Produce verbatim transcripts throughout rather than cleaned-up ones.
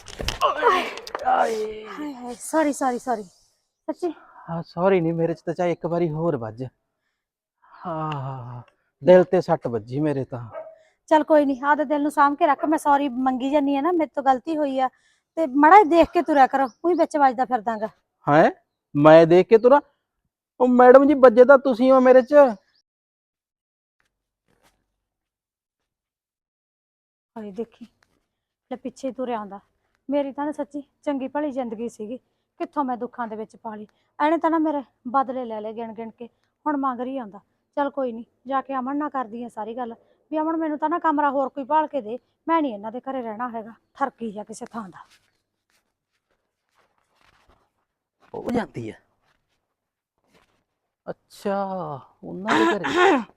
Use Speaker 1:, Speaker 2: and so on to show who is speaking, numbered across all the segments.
Speaker 1: ਆਏ ਆਏ
Speaker 2: ਹਾਏ ਹਾਏ ਸੌਰੀ ਸੌਰੀ ਸੌਰੀ ਸੱਚੀ।
Speaker 1: ਹਾਂ ਸੌਰੀ ਨਹੀਂ, ਮੇਰੇ ਚ ਤਾਂ ਚਾਹੇ ਇੱਕ ਵਾਰੀ ਹੋਰ ਵੱਜ। ਹਾਂ ਦਿਲ ਤੇ ਸੱਟ ਵੱਜੀ ਮੇਰੇ ਤਾਂ।
Speaker 2: ਚੱਲ ਕੋਈ ਨਹੀਂ, ਆਦੇ ਦਿਲ ਨੂੰ ਸਾਂਭ ਕੇ ਰੱਖ। ਮੈਂ ਸੌਰੀ ਮੰਗੀ ਜਾਨੀ ਆ ਨਾ, ਮੇਰੇ ਤੋਂ ਗਲਤੀ ਹੋਈ ਆ ਤੇ ਮੜਾ ਦੇਖ ਕੇ ਤੁਰਿਆ ਕਰੋ, ਕੋਈ ਵਿੱਚ ਵੱਜਦਾ ਫਿਰਦਾਗਾ।
Speaker 1: ਹੈ ਮੈਂ ਦੇਖ ਕੇ ਤੁਰਾਂ? ਉਹ ਮੈਡਮ ਜੀ ਵੱਜੇ ਤਾਂ ਤੁਸੀਂ ਹੋ ਮੇਰੇ ਚ।
Speaker 2: ਹਾਏ ਦੇਖੀ ਲੈ ਪਿੱਛੇ ਤੁਰਿਆ ਆਉਂਦਾ। ਮੇਰੀ ਤਾਂ ਨਾ ਸੱਚੀ ਚੰਗੀ ਭਲੀ ਜ਼ਿੰਦਗੀ ਸੀਗੀ, ਕਿੱਥੋਂ ਮੈਂ ਦੁੱਖਾਂ ਦੇ ਵਿੱਚ ਪਾ ਲਈ। ਐਨੇ ਤਾਂ ਨਾ ਮੇਰੇ ਬਦਲੇ ਲੈ ਲਏ ਗਿਣ ਗਿਣ ਕੇ, ਹੁਣ ਮੰਗ ਰਹੀ ਆਉਂਦਾ। ਚੱਲ ਕੋਈ ਨਹੀਂ, ਜਾ ਕੇ ਅਮਨ ਨਾਲ ਕਰਦੀ ਆ ਸਾਰੀ ਗੱਲ ਵੀ ਅਮਨ ਮੈਨੂੰ ਤਾਂ ਨਾ ਕਮਰਾ ਹੋਰ ਕੋਈ ਭਾਲ ਕੇ ਦੇ, ਮੈਂ ਨਹੀਂ ਇਹਨਾਂ ਦੇ ਘਰੇ ਰਹਿਣਾ ਹੈਗਾ। ਠਰਕੀ ਜਾ ਕਿਸੇ ਥਾਂ ਦਾ।
Speaker 1: ਹੋ ਜਾਂਦੀ ਹੈ। ਅੱਛਾ ਉਹਨਾਂ ਦੇ ਘਰੇ।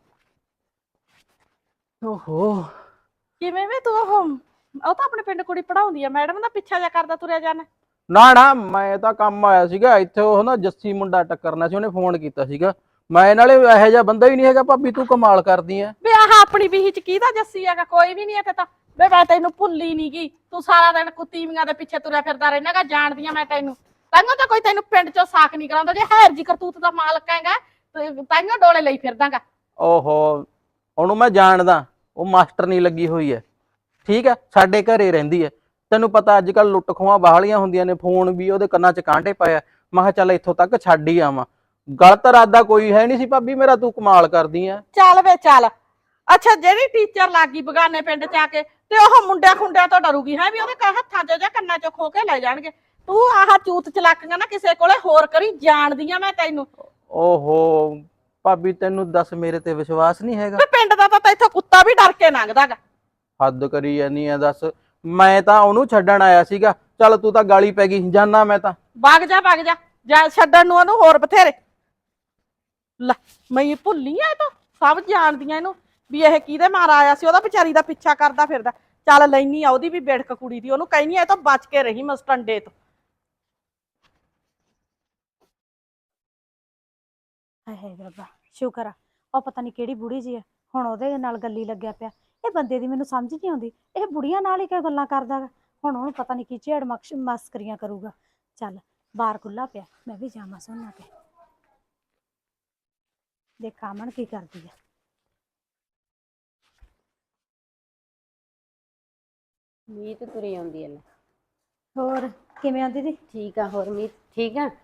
Speaker 1: ਓਹੋ
Speaker 3: ਕਿਵੇਂ ਵੇ ਤੂੰ? ਉਹ ਉਹ ਤਾਂ ਆਪਣੇ ਪਿੰਡ ਕੁੜੀ ਪੜਾਉਂਦੀ ਆ, ਮੈਡਮ ਦਾ ਪਿੱਛਾ ਜਾ ਕਰਦਾ ਤੁਰਿਆ ਜਾਣਾ।
Speaker 1: ਨਾ ਨਾ, ਮੈਂ ਤਾਂ ਕੰਮ ਆਇਆ ਸੀਗਾ ਇੱਥੇ। ਉਹ ਨਾ ਜੱਸੀ ਮੁੰਡਾ ਟੱਕਰਨਾ ਸੀ, ਉਹਨੇ ਫੋਨ ਕੀਤਾ ਸੀਗਾ। ਮੈਂ ਨਾਲੇ ਇਹੋ ਜਿਹਾ ਬੰਦਾ ਹੀ ਨਹੀਂ ਹੈਗਾ। ਭਾਬੀ ਤੂੰ ਕਮਾਲ ਕਰਦੀ ਐ।
Speaker 3: ਵੇ ਆਹ ਆਪਣੀ ਬੀਹੀ ਚ ਕਿਹਦਾ ਜੱਸੀ ਹੈਗਾ? ਕੋਈ ਵੀ ਨਹੀਂ ਇੱਥੇ ਤਾਂ। ਵੇ ਮੈਂ ਤੈਨੂੰ ਭੁੱਲੀ ਨੀ ਗੀ, ਤੂੰ ਸਾਰਾ ਦਿਨ ਕੁੱਤੀਵੀਆਂ ਦੇ ਪਿੱਛੇ ਤੁਰਿਆ ਫਿਰਦਾ ਰਹਿਣਾਗਾ। ਜਾਣਦੀ ਆ ਮੈਂ ਤੈਨੂੰ, ਤਾਂਹੀਓ ਤਾਂ ਕੋਈ ਤੈਨੂੰ ਪਿੰਡ ਚੋਂ ਸਾਕ ਨਹੀਂ ਕਰਾਉਂਦਾ। ਜੇ ਹੈਰ ਜੀ ਕਰਤੂਤ ਦਾ ਮਾਲਕ ਹੈਗਾ ਤਾਂਹੀਓ ਡੋਲੇ ਲਈ ਫਿਰਦਾਗਾ।
Speaker 1: ਓਹੋ ਉਹਨੂੰ ਮੈਂ ਜਾਣਦਾ, ਉਹ ਮਾਸਟਰ ਨਹੀਂ ਲੱਗੀ ਹੋਈ ਐ। ਠੀਕ ਹੈ, ਸਾਡੇ ਘਰੇ ਰਹਿੰਦੀ ਐ। ਤੈਨੂੰ ਪਤਾ ਅੱਜ ਕੱਲ ਲੁੱਟ ਖੋਹਾਂ ਬਾਹਲੀਆਂ ਹੁੰਦੀਆਂ ਨੇ। ਫੋਨ ਵੀ ਉਹਦੇ ਕੰਨਾਂ ਚ ਕਾਂਟੇ ਪਾਇਆ। ਮੈਂ ਕਿਹਾ ਚੱਲ ਇੱਥੋਂ ਤੱਕ ਛੱਡ ਹੀ ਆਵਾਂ। ਗਲਤ ਇਰਾਦਾ ਕੋਈ ਹੈ ਨਹੀਂ ਸੀ ਭਾਬੀ ਮੇਰਾ। ਤੂੰ ਕਮਾਲ ਕਰਦੀ ਐ।
Speaker 3: ਚੱਲ ਵੇ ਚੱਲ। ਅੱਛਾ ਜਿਹੜੀ ਟੀਚਰ ਲੱਗ ਗਈ ਬਗਾਨੇ ਪਿੰਡ ਚ ਆ ਕੇ, ਤੇ ਉਹ ਮੁੰਡਿਆਂ ਖੁੰਡਿਆਂ ਤੋਂ ਡਰੂਗੀ ਹੈ ਵੀ ਉਹਦੇ ਹੱਥਾਂ ਚ ਜਾਂ ਕੰਨਾਂ ਚ ਖੋ ਕੇ ਲੈ ਜਾਣਗੇ। ਤੂੰ ਆਹ ਚੂਤ ਚਲਾਕੀਆਂ ਨਾ ਕਿਸੇ ਕੋਲੇ ਹੋਰ ਕਰੀ, ਜਾਣਦੀ ਆ ਮੈਂ ਤੈਨੂੰ।
Speaker 1: ਓਹੋ ਭਾਬੀ ਤੈਨੂੰ ਦੱਸ ਮੇਰੇ ਤੇ ਵਿਸ਼ਵਾਸ ਨਹੀਂ ਹੈਗਾ?
Speaker 3: ਵੇ ਪਿੰਡ ਦਾ ਤਾਂ ਇੱਥੋਂ ਕੁੱਤਾ ਵੀ ਡਰ ਕੇ ਲੰਘਦਾਗਾ।
Speaker 1: ਹੱਦ ਕਰੀ ਜਾਨੀ ਆ ਦੱਸ। ਮੈਂ ਤਾਂ ਉਹਨੂੰ ਛੱਡਣ ਆਇਆ ਸੀਗਾ। ਚੱਲ ਤੂੰ ਤਾਂ ਗਾਲੀ ਪੈ ਗਈ, ਜਾਨਾ ਮੈਂ ਤਾਂ।
Speaker 3: ਵਗ ਜਾ ਵਗ ਜਾ, ਜਾ ਛੱਡਣ ਨੂੰ ਉਹਨੂੰ ਹੋਰ ਬਥੇਰੇ। ਲੈ ਮੈਂ ਭੁੱਲੀ ਆ, ਇਹ ਤਾਂ ਸਭ ਜਾਣਦੀਆਂ ਇਹਨੂੰ ਵੀ ਇਹ ਕਿਹਦੇ ਮਾਰਾ ਆਇਆ ਸੀ। ਉਹਦਾ ਵਿਚਾਰੀ ਦਾ ਪਿੱਛਾ ਕਰਦਾ ਫਿਰਦਾ। ਚੱਲ ਲੈਨੀ ਆ ਉਹਦੀ ਵੀ ਬਿੜਕ ਕੁੜੀ ਦੀ, ਉਹਨੂੰ ਕਹਿਨੀ ਆ ਇਹ ਤਾਂ ਬਚ ਕੇ ਰਹੀ ਮਸਟੰਡੇ ਤੋਂ।
Speaker 2: ਹਾਏ ਹਾਏ ਰੱਬਾ, ਸ਼ੁਕਰ ਆ ਉਹ ਪਤਾ ਨਹੀਂ ਕਿਹੜੀ ਬੁੜੀ ਜੀ ਆ, ਹੁਣ ਉਹਦੇ ਨਾਲ ਗੱਲੀ ਲੱਗਿਆ ਪਿਆ। ਇਹ ਬੰਦੇ ਦੀ ਮੈਨੂੰ ਸਮਝ ਨਹੀਂ ਆਉਂਦੀ, ਇਹ ਬੁੜੀਆਂ ਨਾਲ ਹੀ ਕਿਉਂ ਗੱਲਾਂ ਕਰਦਾ ਗਾ। ਹੁਣ ਉਹਨੂੰ ਪਤਾ ਨਹੀਂ ਕੀ ਝੇੜ ਮਕਸ਼ ਮਸਕਰੀਆਂ ਕਰੂਗਾ। ਚੱਲ ਬਾਹਰ ਖੁੱਲਾ ਪਿਆ, ਮੈਂ ਵੀ ਜਾਵਾਂ ਸੋਨਾ ਕੇ ਦੇਖਾਂ ਅਮਨ ਕੀ ਕਰਦੀ ਆ।
Speaker 4: ਮੀਤ ਤੁਰੀ ਆਉਂਦੀ ਐ।
Speaker 2: ਹੋਰ ਕਿਵੇਂ ਆ ਦੀਦੀ?
Speaker 4: ਠੀਕ ਆ। ਹੋਰ ਮੀਤ ਠੀਕ ਆ?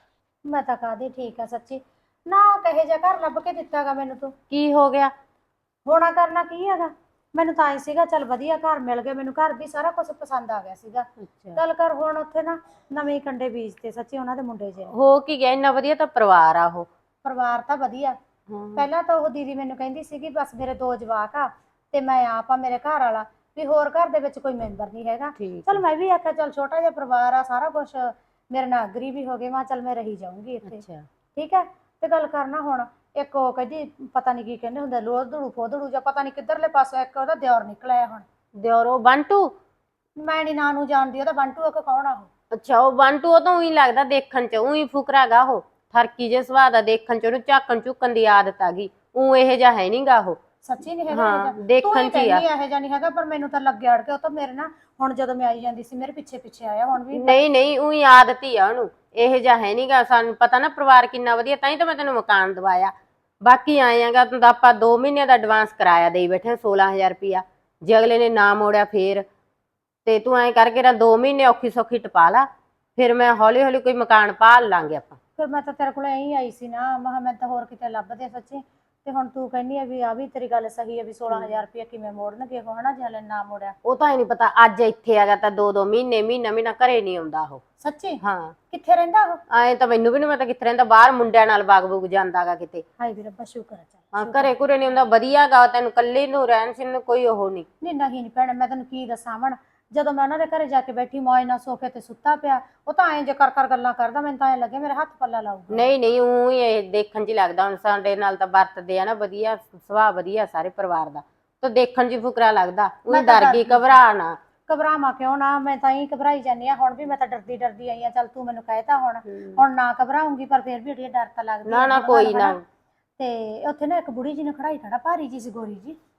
Speaker 2: ਮੈਂ ਤਾਂ ਕਾਹਦੀ ਠੀਕ ਆ ਸੱਚੀ। ਨਾ ਕਹੇ ਜਾ ਘਰ ਲੱਭ ਕੇ ਦਿੱਤਾ ਗਾ ਮੈਨੂੰ ਤੂੰ।
Speaker 4: ਕੀ ਹੋ ਗਿਆ?
Speaker 2: ਹੋਣਾ ਕਰਨਾ ਕੀ ਹੈਗਾ, ਮੈਨੂੰ ਤਾਂ ਐ ਸੀਗਾ ਚੱਲ ਵਧੀਆ ਘਰ ਮਿਲ ਗਿਆ ਮੈਨੂੰ। ਘਰ ਵੀ ਸਾਰਾ ਕੁਝ ਪਸੰਦ ਆ ਗਿਆ ਸੀਗਾ।
Speaker 4: ਅੱਛਾ
Speaker 2: ਗੱਲ ਕਰ ਹੁਣ ਉੱਥੇ ਨਾ ਨਵੇਂ ਕੰਡੇ ਬੀਜਤੇ ਸੱਚੀ ਉਹਨਾਂ ਦੇ ਮੁੰਡੇ ਜੇ ਨੇ।
Speaker 4: ਹੋ ਕੀ ਗਿਆ? ਇੰਨਾ ਵਧੀਆ ਤਾਂ ਪਰਿਵਾਰ ਆ ਉਹ।
Speaker 2: ਪਰਿਵਾਰ ਤਾਂ ਵਧੀਆ। ਪਹਿਲਾਂ ਤਾਂ ਉਹ ਦੀਦੀ ਮੈਨੂੰ ਕਹਿੰਦੀ ਸੀਗੀ ਬਸ ਮੇਰੇ ਦੋ ਜਵਾਕ ਆ ਤੇ ਮੈਂ ਆਪ ਆ, ਮੇਰੇ ਘਰ ਵਾਲਾ, ਵੀ ਹੋਰ ਘਰ ਦੇ ਵਿੱਚ ਕੋਈ ਮੈਂਬਰ ਨਹੀਂ ਹੈਗਾ। ਚਲ ਮੈਂ ਵੀ ਆਖਿਆ ਚੱਲ ਛੋਟਾ ਜਿਹਾ ਪਰਿਵਾਰ ਆ, ਸਾਰਾ ਕੁਝ ਮੇਰੇ ਨਾਲ ਅਗਰੀ ਵੀ ਹੋ ਗਏ। ਮੈਂ ਚੱਲ ਮੈਂ ਰਹੀ ਜਾਊਂਗੀ ਇੱਥੇ। ਠੀਕ ਹੈ। ਤੇ ਗੱਲ ਕਰਨਾ ਹੁਣ ਇੱਕ ਉਹ ਕਹਿੰਦੀ ਪਤਾ ਨਹੀਂ ਕੀ ਕਹਿੰਦੇ ਹੁੰਦੇ, ਲੋਧੜੂ ਫੋਧੜੂ ਜਾਂ ਪਤਾ ਨਹੀਂ ਕਿੱਧਰਲੇ ਪਾਸੋਂ ਇੱਕ ਉਹਦਾ ਦਿਓਰ ਨਿਕਲਿਆ। ਹੁਣ
Speaker 4: ਦਿਓਰੋ ਬੰਟੂ?
Speaker 2: ਮੈਂ ਨੀ ਨਾਂ ਨੂੰ ਜਾਣਦੀ ਉਹਦਾ। ਬੰਟੂ ਇੱਕ ਕੌਣ ਆ ਉਹ?
Speaker 4: ਅੱਛਾ ਉਹ ਬੰਟੂ। ਉਹ ਤਾਂ ਉਹੀ ਲੱਗਦਾ ਦੇਖਣ ਚ, ਉਹੀ ਫੁਕਰਾ ਗਾ ਉਹ। ਠਰਕੀ ਜੇ ਸੁਭਾਅ ਦਾ, ਦੇਖਣ ਚ ਉਹਨੂੰ ਝਾਕਣ ਝੁਕਣ ਦੀ ਆਦਤ ਆ ਗਈ। ਉਹ ਇਹੋ ਜਿਹਾ ਹੈ ਨੀ ਗਾ ਉਹ।
Speaker 2: ਸੱਚੀ ਨਹੀਂ ਹੈਗਾ
Speaker 4: ਹਾਂ
Speaker 2: ਇਹ
Speaker 4: ਦੇਖਣ ਚ ਹੀ ਆ।
Speaker 2: ਇਹੋ ਜਿਹਾ ਨਹੀਂ ਹੈਗਾ, ਪਰ ਮੈਨੂੰ ਤਾਂ ਲੱਗਿਆ ਅੜ ਕੇ। ਉਹ ਤਾਂ ਮੇਰੇ ਨਾ ਹੁਣ ਜਦੋਂ ਮੈਂ ਆਈ ਜਾਂਦੀ ਸੀ ਮੇਰੇ ਪਿੱਛੇ ਪਿੱਛੇ ਆਇਆ। ਹੁਣ ਵੀ
Speaker 4: ਨਹੀਂ ਨਹੀਂ ਉਹੀ ਆਦਤ ਹੀ ਆ ਉਹਨੂੰ, ਇਹੋ ਜਿਹਾ ਹੈ ਨੀ ਗਾ। ਸਾਨੂੰ ਪਤਾ ਨਾ ਪਰਿਵਾਰ ਕਿੰਨਾ ਵਧੀਆ, ਤਾਂ ਹੀ ਤਾਂ ਮੈਂ ਤੈਨੂੰ ਮਕਾਨ ਦਵਾਇਆ। ਬਾਕੀ ਆਏ ਆਂਗਾ ਤਾਂ ਆਪਾਂ ਦੋ ਮਹੀਨਿਆਂ ਦਾ ਐਡਵਾਂਸ ਕਰਾਇਆ ਦੇਈ ਬੈਠੇ ਸੋਲਾਂ ਹਜ਼ਾਰ ਰੁਪਇਆ। ਜੇ ਅਗਲੇ ਨੇ ਨਾ ਮੋੜਿਆ ਫੇਰ ਤੇ ਤੂੰ ਐਂ ਕਰਕੇ ਨਾ ਦੋ ਮਹੀਨੇ ਔਖੀ ਸੌਖੀ ਟਪਾ ਲਾ, ਫਿਰ ਮੈਂ ਹੌਲੀ ਹੌਲੀ ਕੋਈ ਮਕਾਨ ਭਾਲ ਲਾਂਗੇ ਆਪਾਂ।
Speaker 2: ਫਿਰ ਮੈਂ ਤਾਂ ਤੇਰੇ ਕੋਲ ਐਂ ਆਈ ਸੀ ਨਾ, ਮੈਂ ਮੈਂ ਤਾਂ ਹੋਰ ਕਿਤੇ ਲੱਭਦੇ ਸੱਚੀ। ਤੇ ਹੁਣ ਤੂੰ ਕਹਿੰਦੀ ਆ ਵੀ ਆ ਵੀ ਤੇਰੀ ਗੱਲ ਸਹੀ ਹੈ ਵੀ ਸੋਲਾਂ ਹਜ਼ਾਰ ਰੁਪਇਆ ਕਿਵੇਂ ਮੋੜਨਗੇ ਉਹ, ਹਨਾ ਜੇ ਹਲੇ ਨਾ ਮੋੜਿਆ।
Speaker 4: ਉਹ ਤਾਂ ਹੀ ਨੀ ਪਤਾ, ਅੱਜ ਇੱਥੇ ਆ ਗਿਆ ਤਾਂ ਦੋ ਦੋ ਮਹੀਨੇ ਮਹੀਨਾ ਮਹੀਨਾ ਘਰੇ ਨੀ ਆਉਂਦਾ ਉਹ।
Speaker 2: ਸੱਚੀ?
Speaker 4: ਹਾਂ।
Speaker 2: ਕਿੱਥੇ ਰਹਿੰਦਾ ਉਹ?
Speaker 4: ਐਂ ਤਾਂ ਮੈਨੂੰ ਵੀ ਨੀ ਪਤਾ ਕਿੱਥੇ ਰਹਿੰਦਾ, ਬਾਹਰ ਮੁੰਡਿਆਂ ਨਾਲ ਬਾਗ ਬੂਗ ਜਾਂਦਾ ਗਾ ਕਿਤੇ।
Speaker 2: ਹਾਏ ਵੀ ਰੱਬਾ ਸ਼ੁਕਰ ਹੈ। ਚੱਲ
Speaker 4: ਹਾਂ ਘਰੇ ਘੁਰੇ ਨੀ ਹੁੰਦਾ, ਵਧੀਆ ਗਾ। ਤੈਨੂੰ ਕੱਲੇ ਨੂੰ ਰਹਿਣ ਸਹਿਣ ਨੂੰ ਕੋਈ ਉਹ ਨੀ।
Speaker 2: ਨਹੀਂ ਨਹੀਂ ਨੀ ਭੈਣੇ, ਮੈਂ ਤੈਨੂੰ ਕੀ ਦੱਸਾਂ ਅਮਨ, ਜਦੋਂ ਮੈਂ ਉਹਨਾਂ ਦੇ ਘਰੇ ਜਾ ਕੇ ਬੈਠੀ ਮੌਜ ਨਾਲ ਸੋਫੇ ਤੇ ਸੁੱਤਾ ਪਿਆ, ਉਹ ਤਾਂ ਐਂ ਜੇ ਕਰ ਕਰ ਗੱਲਾਂ ਕਰਦਾ, ਮੈਨੂੰ ਤਾਂ ਐਂ ਲੱਗੇ ਮੇਰੇ ਹੱਥ ਪੱਲਾ ਲਾਊਗਾ।
Speaker 4: ਨਹੀਂ ਨਹੀਂ ਊਂ ਹੀ ਇਹ ਦੇਖਣ ਚ ਹੀ ਲੱਗਦਾ। ਹੁਣ ਸਾਡੇ ਨਾਲ ਤਾਂ ਵਰਤਦੇ ਆ ਨਾ ਵਧੀਆ, ਸੁਭਾਅ ਵਧੀਆ ਸਾਰੇ ਪਰਿਵਾਰ ਦਾ, ਤਾਂ ਦੇਖਣ ਚ ਫੁਕਰਾ ਲੱਗਦਾ। ਉਹੀ ਡਰ ਗਈ, ਘਬਰਾ ਨਾ।
Speaker 2: ਘਬਰਾਵਾਂ ਕਿਉਂ ਨਾ, ਮੈਂ ਤਾਂ ਹੀ ਘਬਰਾਈ ਜਾਂਦੀ ਆ। ਹੁਣ ਵੀ ਮੈਂ ਤਾਂ ਡਰਦੀ ਡਰਦੀ ਆਈ ਆ। ਚੱਲ ਤੂੰ ਮੈਨੂੰ ਕਹਿਤਾ ਹੁਣ ਹੁਣ ਨਾ ਘਬਰਾਉਂਗੀ, ਪਰ ਫਿਰ ਵੀ ਡਰ ਤਾਂ ਲੱਗਦਾ।
Speaker 4: ਨਾ ਨਾ ਕੋਈ ਨਾ।
Speaker 2: ਤੇ ਉੱਥੇ ਨਾ ਇੱਕ ਬੁੜੀ ਜੀ ਨੇ ਖੜਾਈ ਖੜਾ, ਭਾਰੀ ਜੀ ਸੀ, ਗੋਰੀ ਜੀ।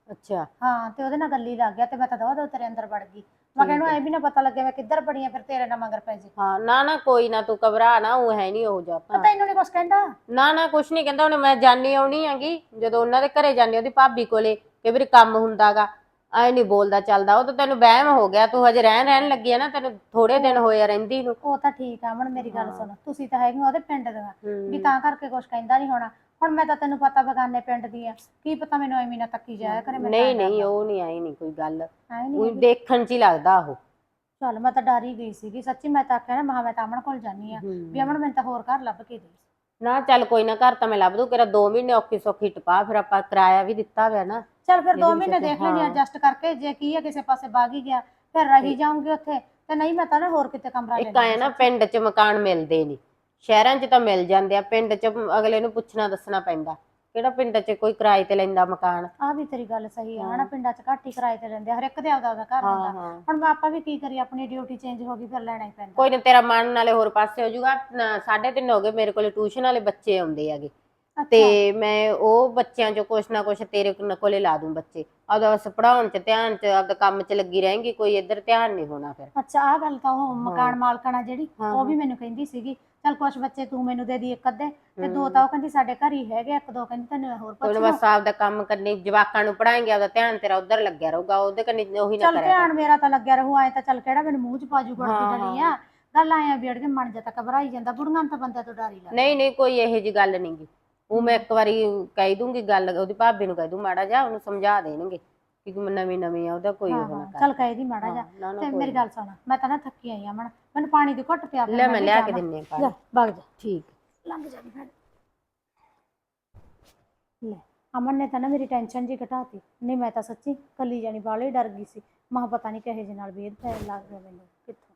Speaker 4: ਅੱਛਾ
Speaker 2: ਹਾਂ ਤੇ ਉਹਦੇ ਨਾਲ ਗੱਲੀ ਲੱਗ ਗਿਆ ਤੇ ਮੈਂ ਤਾਂ ਦੋ ਦੋ ਤੇਰੇ ਅੰਦਰ ਵੜ ਗਈ। ਮੈਂ ਕਹਿੰਦਾ ਐ ਵੀ ਨਾ ਪਤਾ ਲੱਗੇ ਮੈਂ ਕਿੱਧਰ ਬੜੀ ਆ ਫਿਰ ਤੇਰੇ ਨਾਲ ਮਗਰ ਪੈ ਜੇ।
Speaker 4: ਹਾਂ ਨਾ ਨਾ ਕੋਈ ਨਾ ਤੂੰ ਘਬਰਾ ਨਾ, ਉਹ ਹੈ ਨਹੀਂ ਉਹ ਜਾ
Speaker 2: ਤਾਂ ਤੈਨੂੰ ਨੀ ਕੁਛ ਕਹਿੰਦਾ?
Speaker 4: ਨਾ ਨਾ ਕੁਛ ਨਹੀਂ ਕਹਿੰਦਾ। ਹੁਣ ਮੈਂ ਜਾਣੀ ਆਉਣੀ ਹੈਗੀ ਜਦੋਂ ਉਹਨਾਂ ਦੇ ਘਰੇ ਜਾਣੀ ਉਹਦੀ ਭਾਬੀ ਕੋਲੇ, ਕਈ ਵਾਰੀ ਕੰਮ ਹੁੰਦਾਗਾ, ਐ ਨਹੀਂ ਬੋਲਦਾ ਚੱਲਦਾ। ਉਹ ਤਾਂ ਤੈਨੂੰ ਵਹਿਮ ਹੋ ਗਿਆ, ਤੂੰ ਹਜੇ ਰਹਿਣ ਰਹਿਣ ਲੱਗੀ ਆ ਨਾ, ਤੈਨੂੰ ਥੋੜੇ ਦਿਨ ਹੋਏ ਆ ਰਹਿੰਦੀ ਨੂੰ।
Speaker 2: ਉਹ ਤਾਂ ਠੀਕ ਆ ਅਮਨ, ਮੇਰੀ ਗੱਲ ਸੁਣ, ਤੁਸੀਂ ਤਾਂ ਹੈਗੇ ਉਹਦੇ ਪਿੰਡ ਦੀਆਂ ਵੀ ਤਾਂ ਕਰਕੇ ਕੁਛ ਕਹਿੰਦਾ ਨਹੀਂ ਹੋਣਾ। ਹੁਣ ਮੈਂ ਤਾਂ ਤੈਨੂੰ ਪਤਾ ਬਗਾਨੇ ਪਿੰਡ ਦੀ ਆ, ਕੀ ਪਤਾ ਮੈਨੂੰ ਐਵੇਂ ਨਾ ਤੱਕੀ ਜਾਇਆ ਕਰੇ। ਮੈਂ
Speaker 4: ਨਹੀਂ ਨਹੀਂ ਉਹ ਨਹੀਂ ਆਈ ਨਹੀਂ ਕੋਈ ਗੱਲ,
Speaker 2: ਆਏ
Speaker 4: ਉਹ
Speaker 2: ਨਹੀਂ
Speaker 4: ਦੇਖਣ 'ਚ ਹੀ ਲੱਗਦਾ ਉਹ।
Speaker 2: ਚੱਲ ਮੈਂ ਤਾਂ ਡਰ ਹੀ ਗਈ ਸੀਗੀ ਸੱਚੀ। ਮੈਂ ਤਾਂ ਆਖਿਆ ਨਾ ਮਹਾ ਮੈਂ ਤਾਂ ਅਮਨ ਕੋਲ ਜਾਨੀ ਆ ਵੀ ਅਮਨ ਮੈਨੂੰ ਤਾਂ ਹੋਰ ਘਰ ਲੱਭ ਕੇ ਦੇ।
Speaker 4: ਨਾ ਚੱਲ ਕੋਈ ਨਾ, ਘਰ ਤਾਂ ਮੈਂ ਲੱਭ ਦੂ। ਕਿਹੜਾ ਦੋ ਮਹੀਨੇ ਔਖੀ ਸੌਖੀ ਟਪਾ, ਫਿਰ ਆਪਾਂ ਕਿਰਾਇਆ ਵੀ ਦਿੱਤਾ ਹੋਇਆ ਨਾ।
Speaker 2: ਚੱਲ ਫਿਰ ਦੋ ਮਹੀਨੇ ਦੇਖ ਲੈਣੀ ਐਡਜਸਟ ਕਰਕੇ, ਜੇ ਕੀ ਆ ਕਿਸੇ ਪਾਸੇ ਬਾਗ ਹੀ ਗਿਆ ਫਿਰ ਰਹੀ ਜਾਊਂਗੀ ਉੱਥੇ, ਤੇ ਨਹੀਂ ਮੈਂ ਤਾਂ ਨਾ ਹੋਰ ਕਿਤੇ ਕਮਰਾ ਲੈ
Speaker 4: ਇੱਕ ਆਏ ਨਾ ਪਿੰਡ 'ਚ ਮਕਾਨ ਮਿਲਦੇ ਨਹੀਂ, ਸ਼ਹਿਰਾਂ 'ਚ ਤਾਂ ਮਿਲ ਜਾਂਦੇ ਆ, ਪਿੰਡ 'ਚ ਅਗਲੇ ਨੂੰ ਪੁੱਛਣਾ ਦੱਸਣਾ ਪੈਂਦਾ। ਕਿਹੜਾ ਪਿੰਡ 'ਚ ਕੋਈ ਕਿਰਾਏ ਤੇ ਲੈਂਦਾ ਮਕਾਨ।
Speaker 2: ਆ ਵੀ ਤੇਰੀ ਗੱਲ ਸਹੀ ਆ ਹਨਾ, ਪਿੰਡਾਂ 'ਚ ਘੱਟ ਹੀ ਕਿਰਾਏ ਤੇ ਲੈਂਦੇ ਆ, ਹਰ ਇੱਕ ਦੇ ਆਪਦਾ ਆਪਦਾ ਘਰ ਹੁੰਦਾ। ਹੁਣ ਮੈਂ ਆਪਾਂ ਵੀ ਕੀ ਕਰੀਏ, ਆਪਣੀ ਡਿਊਟੀ ਚੇਂਜ ਹੋ ਗਈ ਫਿਰ ਲੈਣਾ ਹੀ ਪੈਂਦਾ।
Speaker 4: ਕੋਈ ਨਾ ਤੇਰਾ ਮਨ ਨਾਲੇ ਹੋਰ ਪਾਸੇ ਹੋ ਜਾਊਗਾ। ਸਾਢੇ ਤਿੰਨ ਹੋ ਗਏ, ਮੇਰੇ ਕੋਲ ਟਿਊਸ਼ਨ ਵਾਲੇ ਬੱਚੇ ਆਉਂਦੇ ਹੈਗੇ, ਤੇ ਮੈਂ ਉਹ ਬੱਚਿਆਂ 'ਚੋਂ ਕੁਛ ਨਾ ਕੁਛ ਤੇਰੇ ਕੋਲੇ ਲਾ ਦੂੰ ਬੱਚੇ। ਆਪਦਾ ਬਸ ਪੜਾਉਣ 'ਚ ਧਿਆਨ 'ਚ ਆਪਦਾ ਕੰਮ 'ਚ ਲੱਗੀ ਰਹੇਂਗੀ, ਕੋਈ ਇੱਧਰ ਧਿਆਨ ਨਹੀਂ ਹੋਣਾ ਫਿਰ।
Speaker 2: ਅੱਛਾ ਆਹ ਗੱਲ ਤਾਂ ਉਹ ਮਕਾਨ ਮਾਲਕਣਾ ਜਿਹੜੀ ਉਹ ਵੀ ਮੈਨੂੰ ਕਹਿੰਦੀ ਸੀਗੀ, ਚੱਲ ਕੁਛ ਬੱਚੇ ਤੂੰ ਮੈਨੂੰ ਦੇ ਦੀ ਇੱਕ ਅੱਧੇ, ਤੇ ਦੋ ਤਾਂ ਉਹ ਕਹਿੰਦੀ ਸਾਡੇ ਘਰ ਹੀ ਹੈਗੇ, ਇੱਕ ਦੋ ਕਹਿੰਦੀ ਤੈਨੂੰ ਹੋਰ ਪੁੱਛ ਲਓ।
Speaker 4: ਬਸ ਆਪਦਾ ਕੰਮ ਕਰਨੀ, ਜਵਾਕਾਂ ਨੂੰ ਪੜਾਏਂਗੇ, ਆਪਦਾ ਧਿਆਨ ਤੇਰਾ ਉੱਧਰ ਲੱਗਿਆ ਰਹੂਗਾ, ਉਹਦੇ ਕੰਨੀ ਉਹੀ ਨਾ
Speaker 2: ਚੱਲ
Speaker 4: ਕਰਿਆ
Speaker 2: ਧਿਆਨ ਮੇਰਾ ਤਾਂ ਲੱਗਿਆ ਰਹੂ, ਆਏ ਤਾਂ ਚੱਲ ਕਿਹੜਾ ਮੈਨੂੰ ਮੂੰਹ 'ਚ ਪਾਜੂ ਗੜਦੀ ਡਲੀ ਆ। ਗੱਲ ਆਇਆ ਵੀ ਅੜਗੇ ਮਨ ਜਾ ਤਾਂ ਘਬਰਾਈ ਜਾਂਦਾ, ਬੁੜੀਆਂ ਨੂੰ ਤਾਂ ਬੰਦੇ ਤੋਂ ਡਰ ਹੀ ਲੱਗਦਾ।
Speaker 4: ਨਹੀਂ ਨਹੀਂ ਕੋਈ ਇਹੋ ਜਿਹੀ ਗੱਲ ਨੀ ਗੀ, ਉਹ ਮੈਂ ਇੱਕ ਵਾਰੀ ਕਹਿ ਦੂੰਗੀ ਗੱਲ, ਉਹਦੀ ਭਾਬੀ ਨੂੰ ਕਹਿ ਦੂੰ ਮਾੜਾ ਜਾ, ਉਹਨੂੰ ਸਮਝਾ ਦੇਣਗੇ ਕਿ ਨਵੀਂ ਨਵੀਂ ਆ, ਉਹਦਾ ਕੋਈ ਉਹ ਨਾ ਕਰ।
Speaker 2: ਚੱਲ ਕਹਿ ਦੀ ਮਾੜਾ ਜਾ। ਤੇ ਮੇਰੀ ਗੱਲ ਸੁਣ, ਮੈਂ ਤਾਂ ਨਾ ਥੱਕੀ ਆਈ ਆ, ਮੈਨੂੰ ਪਾਣੀ ਦੀ ਘੁੱਟ ਪਿਆ।
Speaker 4: ਲੈ ਮੈਂ ਲਿਆ ਕੇ ਦਿੰਨੀ ਆ ਪਾਣੀ।
Speaker 2: ਵਗ ਜਾ,
Speaker 4: ਠੀਕ
Speaker 2: ਲੰਘ ਜਾ ਭੈਣ। ਲੈ ਅਮਨ ਨੇ ਤਾਂ ਨਾ ਮੇਰੀ ਟੈਨਸ਼ਨ ਜੀ ਘਟਾਤੀ, ਨਹੀਂ ਮੈਂ ਤਾਂ ਸੱਚੀ ਕੱਲੀ ਜਾਣੀ ਬਾਹਲੀ ਡਰ ਗਈ ਸੀ। ਮਾਂ ਪਤਾ ਨਹੀਂ ਕਿਹੇ ਜਿਹੇ ਨਾਲ ਵੇਦ ਪੈਣ ਲੱਗ ਗਿਆ ਮੈਨੂੰ, ਕਿੱਥੋਂ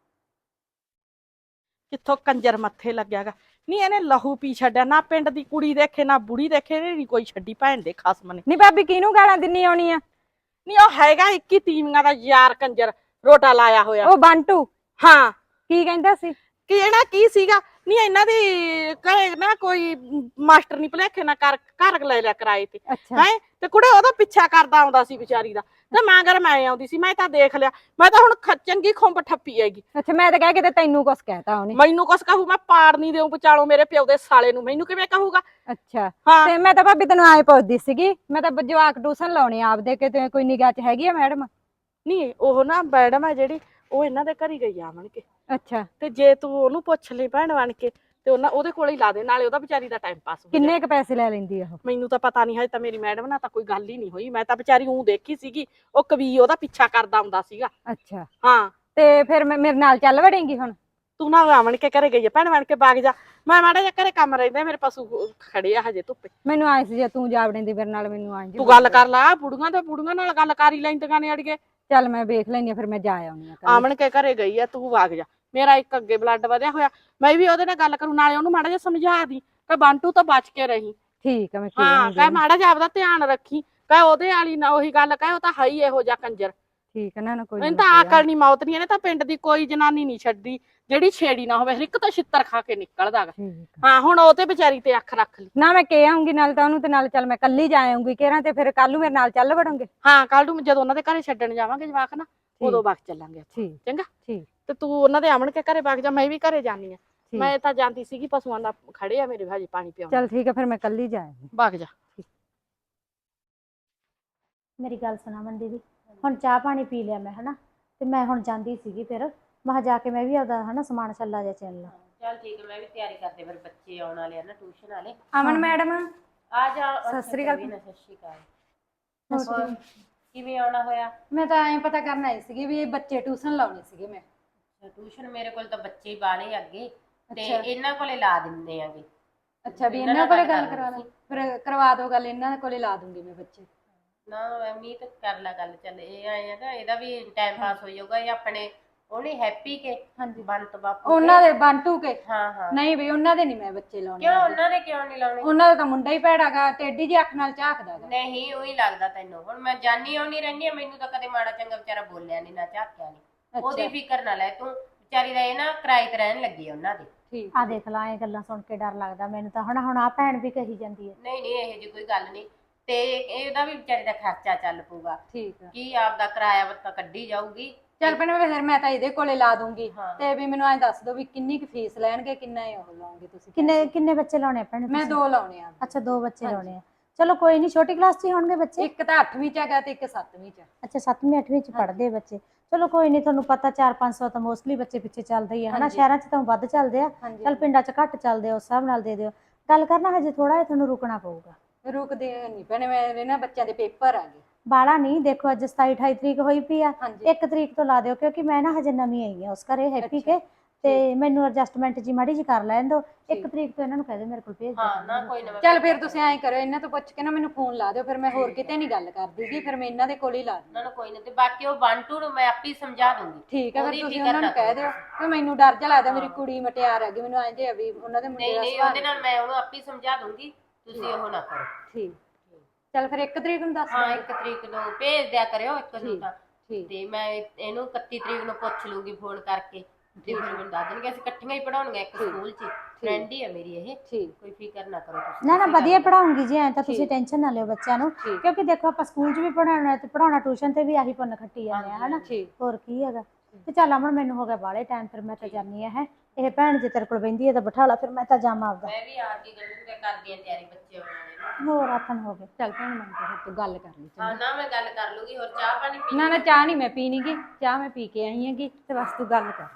Speaker 3: ਕਿੱਥੋਂ ਕੰਜਰ ਮੱਥੇ ਲੱਗਿਆਗਾ। ਨਹੀਂ ਇਹਨੇ ਲਹੂ ਪੀ ਛੱਡਿਆ, ਨਾ ਪਿੰਡ ਦੀ ਕੁੜੀ ਦੇਖੇ ਨਾ ਬੁੜੀ ਦੇਖੇ, ਨਹੀਂ ਕੋਈ ਛੱਡੀ ਭੈਣ ਦੇ ਖਸਮ ਨੇ।
Speaker 5: ਨਹੀਂ ਭਾਬੀ ਕਿਹਨੂੰ ਗਾਲਾਂ ਦਿੰਨੀ ਆਉਣੀ ਆ?
Speaker 3: ਨਹੀਂ ਉਹ ਹੈਗਾ ਇੱਕੀ ਤੀਵੀਆਂ ਦਾ ਯਾਰ ਕੰਜਰ, ਰੋਟਾ ਲਾਇਆ ਹੋਇਆ।
Speaker 5: ਉਹ ਬੰਟੂ
Speaker 3: ਹਾਂ
Speaker 5: ਕੀ ਕਹਿੰਦਾ ਸੀ?
Speaker 3: ਕਿ ਇਹਨਾਂ ਕੀ ਸੀਗਾ, ਨਹੀਂ ਇਹਨਾਂ ਦੀ ਘਰੇ ਨਾ ਕੋਈ ਮਾਸਟਰ ਨਹੀਂ ਭਲੇਖੇ ਨਾ ਕਰ ਘਰ ਲੈ ਲਿਆ ਕਿਰਾਏ ਤੇ, ਹੈ ਤੇ ਕੁੜੇ ਉਹਦਾ ਪਿੱਛਾ ਕਰਦਾ ਆਉਂਦਾ ਸੀ ਵਿਚਾਰੀ ਦਾ, ਤੇ ਮੈਂ ਅਗਰ ਮੈਂ ਆਉਂਦੀ ਸੀ, ਮੈਂ ਤਾਂ ਦੇਖ ਲਿਆ, ਮੈਂ ਤਾਂ ਹੁਣ ਚੰਗੀ ਖੁੰਬ ਠੱਪੀ ਹੈਗੀ।
Speaker 5: ਅੱਛਾ ਮੈਂ ਤਾਂ ਕਹਿ ਕਿਤੇ ਤੈਨੂੰ ਕੁਛ ਕਹਿਤਾ ਉਹਨੇ?
Speaker 3: ਮੈਨੂੰ ਕੁਛ ਕਹੂ, ਮੈਂ ਪਾੜ ਨਹੀਂ ਦੇਉ ਵਿਚਾਲੋਂ ਮੇਰੇ ਪਿਓ ਦੇ ਸਾਲੇ ਨੂੰ, ਮੈਨੂੰ ਕਿਵੇਂ ਕਹੂਗਾ।
Speaker 5: ਅੱਛਾ ਤੇ ਮੈਂ ਤਾਂ ਭਾਬੀ ਤੈਨੂੰ ਆਏ ਪੁੱਛਦੀ ਸੀਗੀ, ਮੈਂ ਤਾਂ ਜਵਾਕ ਟਿਊਸ਼ਨ ਲਾਉਣੇ ਆਪਦੇ, ਕਿਤੇ ਕੋਈ ਨਿਗਾਹ 'ਚ ਹੈਗੀ ਆ ਮੈਡਮ?
Speaker 3: ਨਹੀਂ ਉਹ ਨਾ ਮੈਡਮ ਆ ਜਿਹੜੀ, ਉਹ ਇਹਨਾਂ ਦੇ ਘਰ ਹੀ ਗਈ ਆ ਆਵਣ ਕੇ।
Speaker 5: ਅੱਛਾ
Speaker 3: ਤੇ ਜੇ ਤੂੰ ਉਹਨੂੰ ਪੁੱਛ ਲਈ ਭੈਣ ਬਣ ਕੇ, ਤੇ ਉਹਨਾਂ ਉਹਦੇ ਕੋਲ ਹੀ ਲਾ ਦੇ, ਨਾਲੇ ਉਹਦਾ ਵਿਚਾਰੀ ਦਾ ਟਾਈਮ ਪਾਸ ਹੋ ਜਾਏ।
Speaker 5: ਕਿੰਨੇ ਕ ਪੈਸੇ ਲੈ ਲੈਂਦੀ ਆ ਉਹ?
Speaker 3: ਮੈਨੂੰ ਤਾਂ ਪਤਾ ਨਹੀਂ, ਹਜੇ ਤਾਂ ਮੇਰੀ ਮੈਡਮ ਨਾਲ ਤਾਂ ਕੋਈ ਗੱਲ ਹੀ ਨਹੀਂ ਹੋਈ, ਮੈਂ ਤਾਂ ਵਿਚਾਰੀ ਊਂ ਦੇਖੀ ਸੀਗੀ, ਉਹ ਕਵੀ ਉਹਦਾ ਪਿੱਛਾ ਕਰਦਾ ਹੁੰਦਾ ਸੀਗਾ।
Speaker 5: ਅੱਛਾ
Speaker 3: ਹਾਂ
Speaker 5: ਤੇ ਫਿਰ ਮੈਂ ਮੇਰੇ ਨਾਲ ਚੱਲ ਵੜੇਂਗੀ ਹੁਣ?
Speaker 3: ਤੂੰ ਨਾ ਆਵਣ ਕੇ ਘਰੇ ਗਈ ਆ, ਭੈਣ ਬਣ ਕੇ ਬਾਗ ਜਾ, ਮੈਂ ਮਾੜਾ ਜਿਹਾ ਘਰੇ ਕੰਮ ਰਹਿੰਦਾ, ਮੇਰੇ ਪਸ਼ੂ ਖੜੇ ਆ ਹਜੇ ਧੁੱਪੇ।
Speaker 5: ਮੈਨੂੰ ਆਏ ਸੀ ਜੇ ਤੂੰ ਜਾ ਵੜੇਂਦੀ ਮੇਰੇ ਨਾਲ, ਮੈਨੂੰ ਆਏ
Speaker 3: ਤੂੰ ਗੱਲ ਕਰ ਲਾ, ਬੁੜੀਆਂ ਤੇ ਬੁੜੀਆਂ ਨਾਲ ਗੱਲ ਕਰ ਹੀ ਲੈਂਦੀਆਂ ਨੇ ਅੜੀਏ।
Speaker 5: ਚੱਲ ਮੈਂ ਵੇਖ ਲੈਣੀ ਆ, ਫਿਰ ਮੈਂ ਜਾ ਆਉਣੀ ਆ।
Speaker 3: ਆਵਣ ਕੇ ਘਰੇ ਗਈ ਆ, ਤੂੰ ਵਗ ਜਾ, ਮੇਰਾ ਇੱਕ ਅੱਗੇ ਬਲੱਡ ਵਧਿਆ ਹੋਇਆ, ਮੈਂ ਵੀ ਉਹਦੇ ਨਾਲ ਗੱਲ ਕਰੂੰ, ਨਾਲੇ ਉਹਨੂੰ ਮਾੜਾ ਜਿਹਾ ਸਮਝਾ ਦੀ ਕਿ ਬੰਟੂ ਤੋਂ ਬਚ ਕੇ ਰਹੀ।
Speaker 5: ਠੀਕ ਆ ਮੈਂ
Speaker 3: ਹਾਂ ਕਹਿ ਮਾੜਾ ਜਿਹਾ ਆਪਦਾ ਧਿਆਨ ਰੱਖੀ, ਕਹਿ ਉਹਦੇ ਵਾਲੀ ਨਾ ਉਹੀ ਗੱਲ ਕਹਿ, ਉਹ ਤਾਂ ਹੈ ਹੀ ਇਹੋ ਜਿਹਾ ਕੰਜਰ।
Speaker 5: ਠੀਕ ਆ ਨਾ, ਕੋਈ
Speaker 3: ਇਹਨੂੰ ਤਾਂ ਆਕਲ ਨੀ ਮੌਤ ਨੀ, ਇਹਨੇ ਤਾਂ ਪਿੰਡ ਦੀ ਕੋਈ ਜਨਾਨੀ ਨੀ ਛੱਡੀ ਜਿਹੜੀ ਛੇੜੀ ਨਾ ਹੋਵੇ, ਹਰ ਇੱਕ ਤਾਂ ਛਿੱਤਰ ਖਾ ਕੇ ਨਿਕਲਦਾ ਗਾ। ਹਾਂ ਹੁਣ ਉਹ ਤੇ ਵਿਚਾਰੀ ਤੇ ਅੱਖ ਰੱਖ ਲਈ
Speaker 5: ਨਾ, ਮੈਂ ਕਹਿ ਆਉਂਗੀ ਨਾਲ ਤਾਂ ਉਹਨੂੰ, ਤੇ ਨਾਲ ਚੱਲ ਮੈਂ ਕੱਲੀ ਜਾ ਆਉਂਗੀ ਕਿਹੜਾ, ਤੇ ਫਿਰ ਕੱਲ ਨੂੰ ਮੇਰੇ ਨਾਲ ਚੱਲ ਵੜੋਂਗੇ?
Speaker 3: ਹਾਂ ਕੱਲ ਨੂੰ ਜਦੋਂ ਉਹਨਾਂ ਦੇ ਘਰੇ ਛੱਡਣ ਜਾਵਾਂਗੇ ਜਵਾਕ ਨਾ, ਉਦੋਂ ਵਗ ਚੱਲਾਂਗੇ।
Speaker 5: ਠੀਕ
Speaker 3: ਚੰਗਾ
Speaker 5: ਠੀਕ।
Speaker 3: ਤੇ ਤੂੰ ਉਹਨਾਂ ਦੇ ਆਵਣ ਕੇ ਘਰੇ ਵਗ ਜਾ, ਮੈਂ ਵੀ ਘਰੇ ਜਾਨੀ ਆ, ਮੈਂ ਤਾਂ ਜਾਂਦੀ ਸੀਗੀ ਪਸ਼ੂਆਂ ਦਾ ਖੜੇ ਆ ਮੇਰੇ ਹਜੇ ਪਾਣੀ ਪਿਆਉਣ।
Speaker 5: ਚੱਲ ਠੀਕ ਆ, ਫਿਰ ਮੈਂ ਕੱਲੀ ਜਾ ਆਉਂਗੀ।
Speaker 3: ਵਗ ਜਾ।
Speaker 2: ਮੇਰੀ ਗੱਲ ਸੁਣਾ ਮੰਦੀ ਦੀ, ਹੁਣ ਚਾਹ ਪਾਣੀ ਪੀ ਲਿਆ ਮੈਂ ਹਨਾ, ਤੇ ਮੈਂ ਹੁਣ ਜਾਂਦੀ ਸੀਗੀ, ਫਿਰ ਮੈਂ ਜਾ ਕੇ ਮੈਂ ਵੀ ਆਪਦਾ ਹਨਾ ਸਮਾਨ ਛੱਲਾ ਜਿਹਾ ਚੱਲ ਲਾ।
Speaker 4: ਚੱਲ ਠੀਕ ਹੈ, ਮੈਂ ਵੀ ਤਿਆਰੀ ਕਰਦੇ, ਫਿਰ ਬੱਚੇ ਆਉਣ ਵਾਲੇ ਆ ਨਾ ਟਿਊਸ਼ਨ ਵਾਲੇ।
Speaker 5: ਅਮਨ ਮੈਡਮ
Speaker 4: ਆ ਜਾ।
Speaker 5: ਸਤਿ ਸ੍ਰੀ ਅਕਾਲ।
Speaker 4: ਸਤਿ ਸ਼੍ਰੀ ਅਕਾਲ। ਕਿਵੇਂ ਆਉਣਾ ਹੋਇਆ?
Speaker 5: ਮੈਂ ਤਾਂ ਐਂ ਪਤਾ ਕਰਨ ਆਈ ਸੀਗੀ ਵੀ ਇਹ ਬੱਚੇ ਟਿਊਸ਼ਨ ਲਾਉਣੇ ਸੀਗੇ ਮੈਂ।
Speaker 4: ਟਿਊਸ਼ਨ ਮੇਰੇ ਕੋਲ ਤਾਂ ਬੱਚੇ ਹੀ ਬਾਲੇ ਅੱਗੇ, ਤੇ ਇਹਨਾਂ ਕੋਲੇ ਲਾ ਦਿੰਦੇ ਆਂਗੇ।
Speaker 5: ਅੱਛਾ ਵੀ ਇਹਨਾਂ ਕੋਲੇ ਗੱਲ ਕਰਵਾ ਲਾ, ਫਿਰ ਕਰਵਾ ਦੋ ਗੱਲ, ਇਹਨਾਂ ਕੋਲੇ ਲਾ ਦੂੰਗੀ ਮੈਂ ਬੱਚੇ।
Speaker 4: ਨਾ ਮੀਤ ਕਰ ਲਾ ਗੱਲ, ਚੱਲ ਇਹ ਆਏ ਆ ਨਾ, ਇਹਦਾ ਵੀ ਟਾਈਮ ਪਾਸ ਹੋ ਜਾਊਗਾ। ਇਹ ਆਪਣੇ ਉਹਨੇ ਹੈਪੀ ਕੇ
Speaker 5: ਹਾਂਜੀ
Speaker 4: ਬੰਤ ਬਾਪੂ
Speaker 5: ਉਹਨਾਂ ਦੇ ਬੰਟੂ ਕੇ।
Speaker 4: ਹਾਂ ਹਾਂ
Speaker 5: ਨਹੀਂ ਵੀ ਉਹਨਾਂ ਦੇ ਨਹੀਂ ਮੈਂ ਬੱਚੇ ਲਾਉਣੇ।
Speaker 4: ਕਿਉਂ ਉਹਨਾਂ ਦੇ ਕਿਉਂ ਨਹੀਂ ਲਾਉਣੇ?
Speaker 5: ਉਹਨਾਂ ਦਾ ਤਾਂ ਮੁੰਡਾ ਹੀ ਭੈੜਾਗਾ, ਟੇਢੀ ਜਿਹੀ ਅੱਖ ਨਾਲ ਝਾਕਦਾ ਗਾ।
Speaker 4: ਨਹੀਂ ਉਹੀ ਲੱਗਦਾ ਤੈਨੂੰ, ਹੁਣ ਮੈਂ ਜਾਨੀ ਆਉਣੀ ਰਹਿੰਦੀ ਆ, ਮੈਨੂੰ ਤਾਂ ਕਦੇ ਮਾੜਾ ਚੰਗਾ ਵਿਚਾਰਾ ਬੋਲਿਆ ਨਹੀਂ ਨਾ ਝਾਕਿਆ ਨਹੀਂ। ਉਹਦੀ ਫਿਕਰ ਨਾ ਲੈ ਤੂੰ, ਵਿਚਾਰੀ ਦਾ ਇਹ ਨਾ ਕਿਰਾਏ ਤੇ ਰਹਿਣ ਲੱਗੀ ਉਹਨਾਂ ਦੇ।
Speaker 5: ਠੀਕ
Speaker 2: ਆ ਦੇਖ ਲਾ, ਇਹ ਗੱਲਾਂ ਸੁਣ ਕੇ ਡਰ ਲੱਗਦਾ ਮੈਨੂੰ ਤਾਂ, ਹੁਣ ਹੁਣ ਆ ਭੈਣ ਵੀ ਕਹੀ ਜਾਂਦੀ ਹੈ।
Speaker 4: ਨਹੀਂ ਨਹੀਂ ਇਹੋ ਜਿਹੀ ਕੋਈ ਗੱਲ ਨਹੀਂ, ਤੇ ਇਹਦਾ ਵੀ ਵਿਚਾਰੀ ਦਾ ਖਰਚਾ ਚੱਲ ਪਊਗਾ।
Speaker 5: ਠੀਕ ਆ।
Speaker 4: ਕੀ ਆਪਦਾ ਕਿਰਾਇਆ ਵੱਤਾ ਕੱਢੀ ਜਾਊਗੀ।
Speaker 5: ਚੱਲ ਭੈਣੇ ਫਿਰ ਮੈਂ ਤਾਂ ਇਹਦੇ ਕੋਲੇ ਲਾ ਦੂੰਗੀ
Speaker 4: ਹਾਂ।
Speaker 5: ਤੇ ਵੀ ਮੈਨੂੰ ਐਂ ਦੱਸ ਦਿਓ ਵੀ ਕਿੰਨੀ ਕੁ ਫੀਸ ਲੈਣਗੇ, ਕਿੰਨਾ ਇਹ ਉਹ ਲਾਉਂਗੇ ਤੁਸੀਂ?
Speaker 2: ਕਿੰਨੇ ਕਿੰਨੇ ਬੱਚੇ ਲਾਉਣੇ ਆ ਭੈਣੇ
Speaker 5: ਮੈਂ
Speaker 2: ਤੁਸੀਂ?
Speaker 5: ਦੋ ਲਾਉਣੇ ਆ।
Speaker 2: ਅੱਛਾ ਦੋ ਬੱਚੇ ਲਾਉਣੇ ਆ। ਚਲੋ ਕੋਈ ਨਹੀਂ, ਛੋਟੀ ਕਲਾਸ 'ਚ ਹੀ ਹੋਣਗੇ ਬੱਚੇ।
Speaker 5: ਇੱਕ ਤਾਂ ਅੱਠਵੀਂ ਚ ਹੈਗਾ ਤੇ ਇੱਕ ਸੱਤਵੀਂ ਚ।
Speaker 2: ਅੱਛਾ ਸੱਤਵੀਂ ਅੱਠਵੀਂ 'ਚ ਪੜ੍ਹਦੇ ਬੱਚੇ। ਚਲੋ ਕੋਈ ਨਹੀਂ, ਤੁਹਾਨੂੰ ਪਤਾ ਚਾਰ ਪੰਜ ਸੌ ਤਾਂ ਮੋਸਟਲੀ ਬੱਚੇ ਪਿੱਛੇ ਚੱਲਦੇ ਹੀ ਆ ਹਨਾ। ਸ਼ਹਿਰਾਂ 'ਚ ਤਾਂ ਵੱਧ ਚੱਲਦੇ ਆ, ਚੱਲ ਪਿੰਡਾਂ 'ਚ ਘੱਟ ਚੱਲਦੇ ਆ, ਉਸ ਹਿਸਾਬ ਨਾਲ ਦੇ ਦਿਓ। ਗੱਲ ਕਰਨਾ ਹਜੇ ਥੋੜਾ ਜਿਹਾ ਤੁਹਾਨੂੰ ਰੁਕਣਾ ਪਊਗਾ।
Speaker 5: ਰੁਕਦੇ ਨਹੀਂ ਭੈਣੇ, ਮੇਰੇ ਨਾ ਬੱਚਿਆਂ ਦੇ ਪੇਪਰ ਆ ਗਏ।
Speaker 2: ਬਾਲਾ ਨਹੀਂ, ਦੇਖੋ ਅੱਜ ਸਤਾਈ ਅਠਾਈ ਤਰੀਕ ਹੋਈ ਪਈ ਆ, ਇੱਕ ਤਰੀਕ ਤੋਂ ਲਾ ਦਿਓ ਕਿਉਂਕਿ ਮੈਂ ਨਾ ਹਜੇ ਨਵੀਂ ਆਈ ਆ ਉਸ ਘਰੇ ਹੈਪੀ ਕੇ, ਤੇ ਮੈਨੂੰ ਐਡਜਸਟਮੈਂਟ ਜੀ ਮਾੜੀ ਜੀ ਕਰ ਲੈਣ ਦਿਓ। ਇੱਕ ਤਰੀਕ ਤੋਂ ਇਹਨਾਂ ਨੂੰ ਕਹਿ ਦਿਓ ਮੇਰੇ ਕੋਲ ਭੇਜ ਦਿਓ।
Speaker 4: ਹਾਂ ਨਾ ਕੋਈ ਨਾ।
Speaker 5: ਚੱਲ ਫਿਰ ਤੁਸੀਂ ਐਂ ਕਰੋ, ਇਹਨਾਂ ਤੋਂ ਪੁੱਛ ਕੇ ਨਾ ਮੈਨੂੰ ਫੋਨ ਲਾ ਦਿਓ, ਫਿਰ ਮੈਂ ਹੋਰ ਕਿਤੇ ਨਹੀਂ ਗੱਲ ਕਰਦੀਗੀ, ਫਿਰ ਮੈਂ ਇਹਨਾਂ ਦੇ ਕੋਲ ਹੀ ਲਾ ਦੂੰ।
Speaker 4: ਨਾ ਨਾ ਕੋਈ ਨਾ, ਤੇ ਬਾਕੀ ਉਹ ਬੰਟੂ ਨੂੰ ਮੈਂ ਆਪੇ ਸਮਝਾ ਦੂੰਗੀ।
Speaker 5: ਠੀਕ ਹੈ, ਫਿਰ ਤੁਸੀਂ ਉਹਨਾਂ ਨੂੰ ਕਹਿ ਦਿਓ ਕਿ ਮੈਨੂੰ ਡਰ ਜਿਹਾ ਲੱਗਦਾ, ਮੇਰੀ ਕੁੜੀ ਮਟਿਆਰ ਹੈਗੀ, ਮੈਨੂੰ ਐਂ ਜੇ ਵੀ ਉਹਨਾਂ ਦੇ ਮੁੰਡੇ
Speaker 4: ਨਹੀਂ
Speaker 5: ਦਾ
Speaker 4: ਨਹੀਂ, ਉਹਦੇ ਨਾਲ ਮੈਂ ਉਹਨੂੰ ਆਪੇ ਸਮਝਾ ਦੂੰਗੀ, ਤੁਸੀਂ ਉਹ ਨਾ ਕਰੋ।
Speaker 5: ਠੀਕ। ਚੱਲ ਫਿਰ ਇੱਕ ਤਰੀਕ ਨੂੰ ਦੱਸ
Speaker 4: ਹਾਂ ਇੱਕ ਤਰੀਕ ਨੂੰ ਭੇਜ ਦਿਆ ਕਰਿਓ, ਇੱਕ ਨੂੰ ਤਾਂ।
Speaker 5: ਠੀਕ।
Speaker 4: ਤੇ ਮੈਂ ਇਹਨੂੰ ਇਕੱਤੀ ਤਰੀਕ ਨੂੰ ਪੁੱਛ ਲੂੰਗੀ ਫੋਨ ਕਰਕੇ, ਤੇ ਫਿਰ ਮੈਨੂੰ ਦੱਸ ਦੇਣਗੇ। ਅਸੀਂ ਇਕੱਠੀਆਂ ਹੀ ਪੜਾਉਣੀਆਂ ਇੱਕ ਸਕੂਲ 'ਚ, ਫਰੈਂਡ ਹੀ ਆ ਮੇਰੀ ਇਹ।
Speaker 5: ਠੀਕ।
Speaker 4: ਕੋਈ ਫਿਕਰ ਨਾ ਕਰੋ ਤੁਸੀਂ।
Speaker 2: ਨਾ ਨਾ ਵਧੀਆ ਪੜਾਉਂਗੀ ਜੀ, ਐਂ ਤਾਂ ਤੁਸੀਂ ਟੈਨਸ਼ਨ ਨਾ ਲਿਓ ਬੱਚਿਆਂ ਨੂੰ, ਕਿਉਂਕਿ ਦੇਖੋ ਆਪਾਂ ਸਕੂਲ 'ਚ ਵੀ ਪੜਾਉਣਾ ਤੇ ਪੜਾਉਣਾ, ਟਿਊਸ਼ਨ ਤੇ ਵੀ ਆਹੀ ਪੁੰਨ ਖੱਟੀ ਜਾਂਦੇ ਆ ਹਨਾ। ਹੋਰ ਕੀ ਹੈਗਾ। ਤੇ ਚੱਲ ਅਮਨ ਮੈਨੂੰ ਹੋ ਗਿਆ ਬਾਹਲੇ ਟਾਈਮ, ਫਿਰ ਮੈਂ ਤਾਂ ਜਾਨੀ ਆ ਹੈ। ਇਹ ਭੈਣ ਜੇ ਤੇਰੇ ਕੋਲ ਬਹਿੰਦੀ ਹੈ ਤਾਂ ਬਿਠਾ ਲਾ, ਫਿਰ ਮੈਂ ਤਾਂ ਜਾਵਾਂ ਆਪਦਾ।
Speaker 4: ਮੈਂ ਵੀ ਆ ਕੇ ਗੱਲ ਕਰਦੀ ਆ ਤਿਆਰੀ ਬੱਚੇ ਆਉਣ ਵਾਲੇ।
Speaker 2: ਹੋਰ ਆਥਣ ਹੋ ਗਏ।
Speaker 5: ਚੱਲ ਭੈਣ ਮੈਂ ਤੂੰ ਗੱਲ ਕਰ ਲਈ।
Speaker 4: ਹਾਂ ਨਾ ਮੈਂ ਗੱਲ ਕਰ ਲੂਗੀ। ਹੋਰ ਚਾਹ ਪਾਣੀ ਪੀ?
Speaker 5: ਨਾ ਨਾ ਚਾਹ ਨਹੀਂ ਮੈਂ ਪੀਣੀ ਗੀ, ਚਾਹ ਮੈਂ ਪੀ ਕੇ ਆਈ ਹੈਗੀ, ਤੇ ਬਸ ਤੂੰ ਗੱਲ ਕਰ।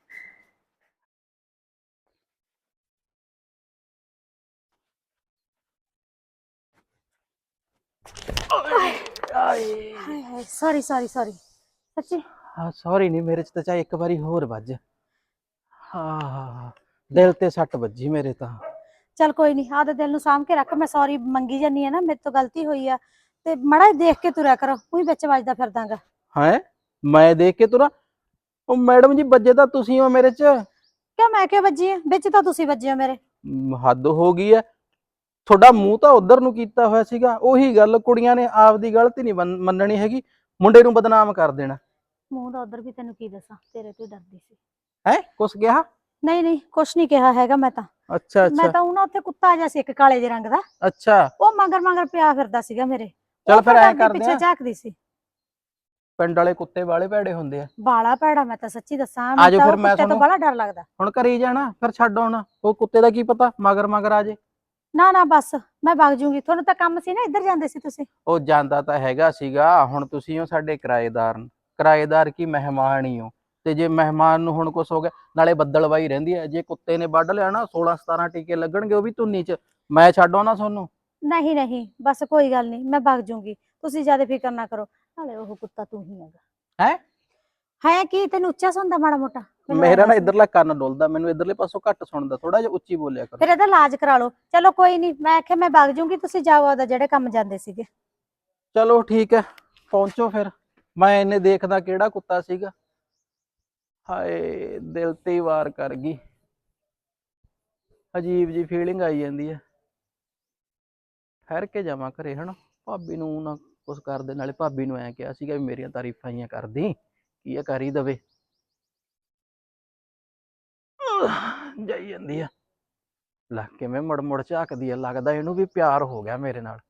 Speaker 2: ਹਾਏ ਹਾਏ, ਸੌਰੀ ਸੌਰੀ ਸੌਰੀ ਸੱਚੀ।
Speaker 1: ਹਾਂ ਸੌਰੀ ਨਹੀਂ, ਮੇਰੇ 'ਚ ਤਾਂ ਚਾਹੇ ਇੱਕ ਵਾਰੀ ਹੋਰ ਵੱਜ। ਹਾਂ ਦਿਲ ਤੇ ਸੱਟ ਵੱਜੀ ਮੇਰੇ ਤਾਂ।
Speaker 2: ਚੱਲ ਕੋਈ ਨਹੀਂ, ਆਦੇ ਦਿਲ ਨੂੰ ਸਾਂਭ ਕੇ ਰੱਖ। ਮੈਂ ਸੌਰੀ ਮੰਗੀ ਜਾਨੀ ਆ ਨਾ, ਮੇਰੇ ਤੋਂ ਗਲਤੀ ਹੋਈ ਆ, ਤੇ ਮੜਾ ਦੇਖ ਕੇ ਤੁਰਿਆ ਕਰੋ, ਕੋਈ ਵਿੱਚ ਵੱਜਦਾ ਫਿਰਦਾਗਾ।
Speaker 1: ਹੈ ਮੈਂ ਦੇਖ ਕੇ ਤੁਰਾਂ? ਉਹ ਮੈਡਮ ਜੀ ਵੱਜੇ ਤਾਂ ਤੁਸੀਂ ਹੋ ਮੇਰੇ 'ਚ।
Speaker 2: ਕਿਉਂ ਮੈਂ ਕਿਉਂ ਵੱਜੀ ਆ? ਵਿੱਚ ਤਾਂ ਤੁਸੀਂ ਵੱਜੇ ਹੋ ਮੇਰੇ।
Speaker 1: ਮ, ਹੱਦ ਹੋ ਗਈ ਐ। ਤੁਹਾਡਾ ਮੂੰਹ ਤਾਂ ਉਧਰ ਨੂੰ ਕੀਤਾ ਹੋਇਆ ਸੀਗਾ। ਉਹੀ ਗੱਲ, ਕੁੜੀਆਂ ਨੇ ਆਪਦੀ ਗਲਤੀ ਨਹੀਂ ਮੰਨਣੀ ਹੈਗੀ, ਮੁੰਡੇ ਨੂੰ ਬਦਨਾਮ ਕਰ ਦੇਣਾ।
Speaker 2: ਮੂੰਹ ਦਾ ਉਧਰ ਵੀ ਤੈਨੂੰ ਕੀ ਦੱਸਾਂ, ਤੇਰੇ ਤੋਂ ਡਰਦੀ ਸੀ।
Speaker 1: ਹੈ ਕੁਛ ਕਿਹਾ?
Speaker 2: ਨਹੀਂ ਨਹੀਂ ਕੁਛ ਨਹੀਂ ਕਿਹਾ ਹੈਗਾ ਮੈਂ ਤਾਂ।
Speaker 1: ਅੱਛਾ
Speaker 2: ਮੈਂ
Speaker 1: ਅੱਛਾ
Speaker 2: ਤਾਂ ਉਹ ਨਾ ਉੱਥੇ ਕੁੱਤਾ ਜਿਹਾ ਸੀ ਇੱਕ ਕਾਲੇ ਜਿਹੇ ਰੰਗ ਦਾ,
Speaker 1: ਅੱਛਾ।
Speaker 2: ਉਹ ਮਗਰ ਮਗਰ ਪਿਆ ਫਿਰਦਾ ਸੀਗਾ ਮੇਰੇ।
Speaker 1: ਚੱਲ ਫਿਰ ਐਂ ਕਰਦੇ
Speaker 2: ਪਿੱਛੇ
Speaker 1: ਆ,
Speaker 2: ਝਾਕਦੀ ਸੀ।
Speaker 1: ਪਿੰਡ ਵਾਲੇ ਕੁੱਤੇ ਵਾਲੇ ਭੈੜੇ ਹੁੰਦੇ ਆ।
Speaker 2: ਬਾਲਾ ਭੈੜਾ, ਮੈਂ ਤਾਂ ਸੱਚੀ ਦੱਸਾਂ,
Speaker 1: ਆ
Speaker 2: ਮੈਨੂੰ
Speaker 1: ਜਾਓ
Speaker 2: ਤਾਂ
Speaker 1: ਫਿਰ,
Speaker 2: ਉਹ
Speaker 1: ਮੈਂ
Speaker 2: ਕੁੱਤੇ ਤੋਂ
Speaker 1: ਤੁਹਾਨੂੰ
Speaker 2: ਬੜਾ ਡਰ ਲੱਗਦਾ।
Speaker 1: ਹੁਣ ਘਰੇ ਹੀ ਜਾਣਾ, ਫਿਰ ਛੱਡ ਆਉਣਾ। ਉਹ ਕੁੱਤੇ ਦਾ ਕੀ ਪਤਾ ਮਗਰ ਮਗਰ ਆ ਜੇ।
Speaker 2: ਨਾ ਨਾ ਬਸ ਮੈਂ ਵਗ ਜੂੰਗੀ, ਤੁਹਾਨੂੰ ਤਾਂ ਕੰਮ ਸੀ ਨਾ, ਇੱਧਰ ਜਾਂਦੇ ਸੀ ਤੁਸੀਂ।
Speaker 1: ਉਹ ਜਾਂਦਾ ਤਾਂ ਹੈਗਾ ਸੀਗਾ, ਹੁਣ ਤੁਸੀਂ ਹੋ ਸਾਡੇ ਕਿਰਾਏਦਾਰ। ਕਿਰਾਏਦਾਰ ਕੀ ਮਹਿਮਾਨ ਹੀ ਹੋ, ਤੇ ਜੇ ਮਹਿਮਾਨ ਨੂੰ ਹੁਣ ਕੁਛ ਹੋ ਗਿਆ, ਨਾਲੇ ਬੱਦਲਵਾਈ ਰਹਿੰਦੀ ਹੈ। ਜੇ ਕੁੱਤੇ ਨੇ ਵੱਢ ਲਿਆ ਨਾ, ਸੋਲਾਂ ਸਤਾਰਾਂ ਟੀਕੇ ਲੱਗਣਗੇ, ਉਹ ਵੀ ਧੁੰਨੀ 'ਚ। ਮੈਂ ਛੱਡ ਆਉਣਾ ਤੁਹਾਨੂੰ।
Speaker 2: ਨਹੀਂ ਨਹੀਂ ਬਸ ਕੋਈ ਗੱਲ ਨਹੀਂ, ਮੈਂ ਵਗ ਜੂੰਗੀ, ਤੁਸੀਂ ਜ਼ਿਆਦਾ ਫਿਕਰ ਨਾ ਕਰੋ। ਨਾਲੇ ਉਹ ਕੁੱਤਾ ਤੂੰ ਹੀ ਹੈਗਾ।
Speaker 1: ਹੈ
Speaker 2: ਹੈ ਕੀ ਤੈਨੂੰ ਉੱਚਾ ਸੁਣਦਾ ਮਾੜਾ ਮੋਟਾ?
Speaker 1: ਮੇਰਾ ਨਾ ਇਧਰਲਾ ਕੰਨ ਡੁੱਲਦਾ, ਮੈਨੂੰ ਇਧਰਲੇ ਪਾਸੋਂ ਘੱਟ ਸੁਣਦਾ, ਥੋੜਾ ਜਿਹਾ ਉੱਚੀ ਬੋਲਿਆ ਕਰੋ।
Speaker 2: ਫਿਰ ਇਹਦਾ ਇਲਾਜ ਕਰਾ ਲਓ। ਚਲੋ ਕੋਈ ਨਹੀਂ, ਮੈਂ ਆਖਿਆ ਮੈਂ ਵਗ ਜੂੰਗੀ, ਤੁਸੀਂ ਜਾਓ ਆਪਦਾ ਜਿਹੜੇ ਕੰਮ ਜਾਂਦੇ ਸੀਗੇ।
Speaker 1: ਚਲੋ ਠੀਕ ਹੈ, ਪਹੁੰਚੋ ਫਿਰ। ਮੈਂ ਇਹਨੇ ਦੇਖਦਾ ਕਿਹੜਾ ਕੁੱਤਾ ਸੀਗਾ। ਹਾਏ ਦਿਲ ਤੇ ਹੀ ਵਾਰ ਕਰ ਗਈ, ਅਜੀਬ ਜੀ ਫੀਲਿੰਗ ਆਈ ਜਾਂਦੀ ਹੈ। ਠਹਿਰ ਕੇ ਜਾਵਾਂ ਘਰੇ ਹਨਾ, ਭਾਬੀ ਨੂੰ ਨਾ ਕੁਛ ਕਰਦੇ। ਨਾਲੇ ਭਾਬੀ ਨੂੰ ਐਂ ਕਿਹਾ ਸੀਗਾ ਵੀ ਮੇਰੀਆਂ ਤਾਰੀਫਾਂ ਹੀ ਕਰਦੀ, ਕੀ ਆ ਕਰ ਹੀ ਦਵੇ। ਜਾਈ ਜਾਂਦੀ ਆ, ਲੈ ਕਿਵੇਂ ਮੁੜ ਮੁੜ ਝਾਕਦੀ ਆ, ਲੱਗਦਾ ਇਹਨੂੰ ਵੀ ਪਿਆਰ ਹੋ ਗਿਆ ਮੇਰੇ ਨਾਲ।